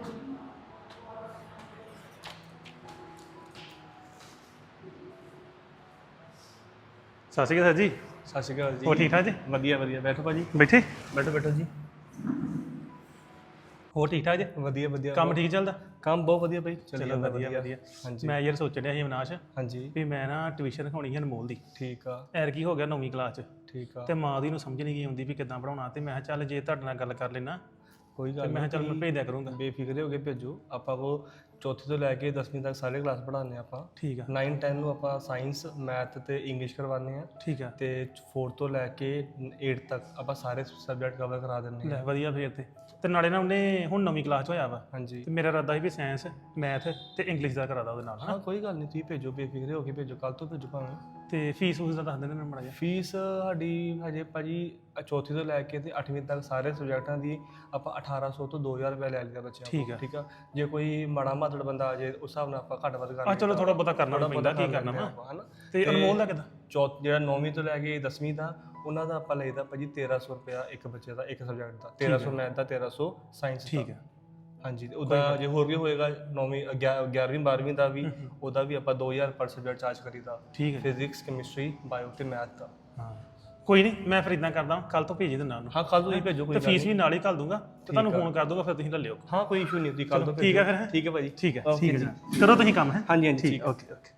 ਸਤਿ ਸ਼੍ਰੀ ਅਕਾਲ ਸਰ ਜੀ। ਸਤਿ ਸ਼੍ਰੀ ਅਕਾਲ ਜੀ। ਹੋਰ ਠੀਕ ਠਾਕ ਜੀ? ਵਧੀਆ ਵਧੀਆ, ਬੈਠੋ ਭਾਜੀ। ਬੈਠੇ? ਬੈਠੋ ਬੈਠੋ ਜੀ। ਹੋਰ ਠੀਕ ਠਾਕ ਜੀ? ਵਧੀਆ ਵਧੀਆ ਕੰਮ ਠੀਕ ਚੱਲਦਾ? ਕੰਮ ਬਹੁਤ ਵਧੀਆ ਬਈ ਚੱਲੀ ਚਲੋ ਜਾਂਦਾ ਵਧੀਆ ਵਧੀਆ। ਹਾਂਜੀ ਮੈਂ ਯਾਰ ਸੋਚ ਰਿਹਾ ਸੀ ਅਵਿਨਾਸ਼ ਹਾਂਜੀ ਵੀ ਮੈਂ ਨਾ ਟਿਊਸ਼ਨ ਰਖਾਉਣੀ ਹੈ ਅਨਮੋਲ ਦੀ। ਠੀਕ ਆ ਐਰ ਕੀ ਹੋ ਗਿਆ 9ਵੀਂ ਕਲਾਸ 'ਚ ਠੀਕ ਆ ਤੇ ਮਾਂ ਦੀ ਨੂੰ ਸਮਝ ਨਹੀਂ ਗਈ ਆਉਂਦੀ ਵੀ ਕਿੱਦਾਂ ਪੜਾਉਣਾ, ਤੇ ਮੈਂ ਕਿਹਾ ਚੱਲ ਜੇ ਤੁਹਾਡੇ ਨਾਲ ਗੱਲ ਕਰ ਲੈਣਾ ਕੋਈ ਤੇ ਗੱਲ ਮੈਂ ਕਿਹਾ ਚੱਲ ਨਹੀਂ, ਮੈਂ ਭੇਜ ਦਿਆ ਕਰੂੰਗਾ। ਬੇਫਿਕਰੇ ਹੋ ਕੇ ਭੇਜੋ। ਆਪਾਂ ਕੋ ਚੌਥੀ ਤੋਂ ਲੈ ਕੇ 10ਵੀਂ ਤੱਕ ਸਾਰੇ ਕਲਾਸ ਪੜ੍ਹਾਉਂਦੇ ਆਪਾਂ। ਠੀਕ ਆ 9 10 ਨੂੰ ਆਪਾਂ ਸਾਇੰਸ ਮੈਥ ਤੇ ਇੰਗਲਿਸ਼ ਕਰਵਾਉਂਦੇ ਆ ਠੀਕ ਆ। ਤੇ 4 ਤੋਂ ਲੈ ਕੇ 8 ਤੱਕ ਆਪਾਂ ਸਾਰੇ ਸਬਜੈਕਟ ਕਵਰ ਕਰਾ ਦਿੰਦੇ ਲੈ ਆ। ਵਧੀਆ ਫੇਰ ਤੇ ਨਾਲੇ ਨਾ ਉਹਨੇ ਹੁਣ 9ਵੀਂ ਕਲਾਸ 'ਚ ਹੋਇਆ ਵਾ ਹਾਂਜੀ ਤੇ ਮੇਰਾ ਇਰਾਦਾ ਸੀ ਵੀ ਸਾਇੰਸ ਮੈਥ ਤੇ ਇੰਗਲਿਸ਼ ਦਾ ਕਰਾਦਾ ਉਹਦੇ ਨਾਲ ਹਾਂ ਹਨਾ। ਕੋਈ ਗੱਲ ਨਹੀਂ, ਤੁਸੀਂ ਭੇਜੋ ਬੇਫਿਕਰੇ ਹੋ ਕੇ ਭੇਜੋ, ਕੱਲ ਤੋਂ ਭੇਜੋ ਭਾਵੇਂ। ਤੇ ਫੀਸ ਉਸ ਦਾ ਦੱਸ ਦੇਣਾ ਮੈਨੂੰ ਮਾੜਾ ਜਿਹਾ। ਫੀਸ ਸਾਡੀ ਹਜੇ ਭਾਜੀ ਚੌਥੀ ਤੋਂ ਲੈ ਕੇ ਤੇ 8ਵੀਂ ਤੱਕ ਸਾਰੇ ਸਬਜੈਕਟਾਂ ਦੀ ਆਪਾਂ 1800 ਤੋਂ 2000 ਰੁਪਏ ਲੈ ਲਿਆ ਬੱਚਿਆਂ ਠੀਕ ਆ। ਠੀਕ ਆ। ਜੇ ਕੋਈ ਮਾੜਾ ਮਾਤੜ ਬੰਦਾ ਆ ਜੇ ਉਸ ਹਿਸਾਬ ਨਾਲ ਆਪਾਂ ਘੱਟ ਵੱਧ ਕਰ ਆ ਚਲੋ ਥੋੜਾ ਬਹੁਤਾ ਕਰਨਾ ਥੋੜ੍ਹਾ ਪੈਂਦਾ, ਬਹੁਤਾ ਕੀ ਕਰ ਕਰਨਾ ਲੈਂਦੇ ਵਾ। ਆਪਾਂ, ਹਨਾ। ਤੇ ਅਨਮੋਲ ਦਾ ਕਿੱਦਾਂ? ਜਿਹੜਾ 9ਵੀਂ ਤੋਂ ਲੈ ਕੇ 10ਵੀਂ ਦਾ ਉਹਨਾਂ ਦਾ ਆਪਾਂ ਲਈਦਾ ਭਾਜੀ 1300 ਰੁਪਇਆ ਇੱਕ ਬੱਚੇ ਦਾ, ਇੱਕ ਸਬਜੈਕਟ ਦਾ। 1300 ਮੈਥ ਦਾ, 1300 ਸਾਇੰਸ ਦਾ। ਠੀਕ ਹੈ ਹਾਂਜੀ। ਉਹਦਾ ਜੇ ਹੋਰ ਵੀ ਹੋਏਗਾ 9ਵੀਂ 11ਵੀਂ 12ਵੀਂ ਦਾ ਵੀ, ਉਹਦਾ ਵੀ ਆਪਾਂ 2000 ਪਰ ਸਬਜੈਕਟ ਚਾਰਜ ਕਰੀਦਾ। ਠੀਕ ਹੈ। ਫਿਜ਼ਿਕਸ ਕੈਮਿਸਟਰੀ ਬਾਇਓ ਤੇ ਮੈਥ ਦਾ। ਹਾਂ ਕੋਈ ਨਹੀਂ, ਮੈਂ ਫਿਰ ਇਦਾਂ ਕਰਦਾ ਕੱਲ ਤੋਂ ਭੇਜ ਦਿੰਦਾ ਉਹਨੂੰ। ਹਾਂ ਕੱਲ ਤੋਂ ਹੀ ਭੇਜੋ, ਕੋਈ ਤੇ ਗੱਲ ਫੀਸ ਵੀ ਨਹੀਂ। ਨਾਲ ਹੀ ਘੱਲ ਦੂੰਗਾ ਤੇ ਤੁਹਾਨੂੰ ਫੋਨ ਕਰ ਦੂੰਗਾ, ਫਿਰ ਤੁਸੀਂ ਲੈ ਲਿਓ। ਹਾਂ ਕੋਈ ਇਸ਼ੂ ਨਹੀਂ, ਤੁਸੀਂ ਕੱਲ ਤੋਂ ਭੇਜੋ। ਠੀਕ ਹੈ ਫਿਰ ਹੈਂ? ਠੀਕ ਹੈ ਭਾਜੀ। ਠੀਕ ਹੈ Okay ਠੀਕ ਹੈ ਜੀ। ਜੀ, ਕਰੋ ਤੁਸੀਂ ਕੰਮ ਹੈ। ਹਾਂਜੀ ਹਾਂਜੀ ਠੀਕ ਓਕੇ ਓਕੇ।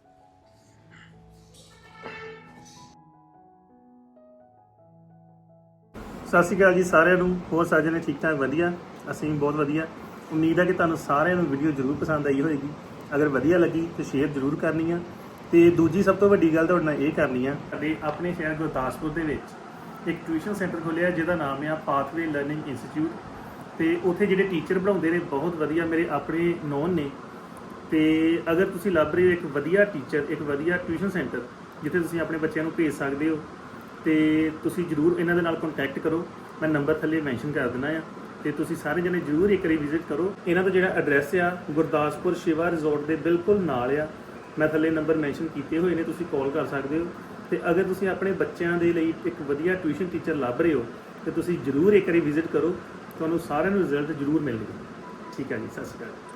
ਸਤਿ ਸ਼੍ਰੀ ਅਕਾਲ ਜੀ ਸਾਰਿਆਂ ਨੂੰ। ਹੋਰ ਸਾਰੇ ਜਣੇ ਠੀਕ ਠਾਕ? ਵਧੀਆ, ਅਸੀਂ ਵੀ ਬਹੁਤ ਵਧੀਆ। ਉਮੀਦ ਹੈ ਕਿ ਤੁਹਾਨੂੰ ਸਾਰਿਆਂ ਨੂੰ ਵੀਡੀਓ ਜ਼ਰੂਰ ਪਸੰਦ ਆਈ ਹੋਏਗੀ। ਅਗਰ ਵਧੀਆ ਲੱਗੀ ਤੇ ਸ਼ੇਅਰ ਜ਼ਰੂਰ ਕਰਨੀ ਆ। ਤੇ ਦੂਜੀ ਸਭ ਤੋਂ ਵੱਡੀ ਗੱਲ ਤੁਹਾਡੇ ਨਾਲ ਇਹ ਕਰਨੀ ਆ, ਸਾਡੇ ਆਪਣੇ ਸ਼ਹਿਰ ਗੁਰਦਾਸਪੁਰ ਦੇ ਵਿੱਚ ਇੱਕ ਟਿਊਸ਼ਨ ਸੈਂਟਰ ਖੁੱਲਿਆ ਜਿਹਦਾ ਨਾਮ ਆ ਪਾਥਵੇ ਲਰਨਿੰਗ ਇੰਸਟੀਚਿਊਟ। ਤੇ ਉੱਥੇ ਜਿਹੜੇ ਟੀਚਰ ਪੜ੍ਹਾਉਂਦੇ ਨੇ ਬਹੁਤ ਵਧੀਆ, ਮੇਰੇ ਆਪਣੇ ਨੋਨ ਨੇ। ਤੇ ਅਗਰ ਤੁਸੀਂ ਲੱਭ ਰਹੇ ਹੋ ਇੱਕ ਵਧੀਆ ਟੀਚਰ, ਇੱਕ ਵਧੀਆ ਟਿਊਸ਼ਨ ਸੈਂਟਰ ਜਿੱਥੇ ਤੁਸੀਂ ਆਪਣੇ ਬੱਚਿਆਂ ਨੂੰ ਭੇਜ ਸਕਦੇ ਹੋ, ਤੇ ਤੁਸੀਂ ਜ਼ਰੂਰ ਇਹਨਾਂ ਦੇ ਨਾਲ ਕੰਟੈਕਟ ਕਰੋ। ਮੈਂ ਨੰਬਰ ਥੱਲੇ ਮੈਂਸ਼ਨ ਕਰ ਦਿੰਦਾ ਆ, ਤੇ ਤੁਸੀਂ ਸਾਰੇ ਜਣੇ ਜ਼ਰੂਰ ਇੱਕ ਵਾਰੀ ਵਿਜ਼ਿਟ ਕਰੋ। ਇਹਨਾਂ ਦਾ ਜਿਹੜਾ ਐਡਰੈਸ ਆ ਗੁਰਦਾਸਪੁਰ ਸ਼ਿਵਾ ਰਿਜ਼ੋਰਟ ਦੇ ਬਿਲਕੁਲ ਨਾਲ ਆ। ਮੈਂ ਥੱਲੇ ਨੰਬਰ ਮੈਂਸ਼ਨ ਕੀਤੇ ਹੋਏ ਨੇ, ਤੁਸੀਂ ਕਾਲ ਕਰ ਸਕਦੇ ਹੋ। ਤੇ ਅਗਰ ਤੁਸੀਂ ਆਪਣੇ ਬੱਚਿਆਂ ਦੇ ਲਈ ਇੱਕ ਵਧੀਆ ਟਿਊਸ਼ਨ ਟੀਚਰ ਲੱਭ ਰਹੇ ਹੋ ਤੇ ਤੁਸੀਂ ਜ਼ਰੂਰ ਇੱਕ ਵਾਰੀ ਵਿਜ਼ਿਟ ਕਰੋ, ਤੁਹਾਨੂੰ ਸਾਰਿਆਂ ਨੂੰ ਰਿਜ਼ਲਟ ਜ਼ਰੂਰ ਮਿਲਣਗੇ। ਠੀਕ ਹੈ ਜੀ, ਸਤਿ ਸ਼੍ਰੀ ਅਕਾਲ।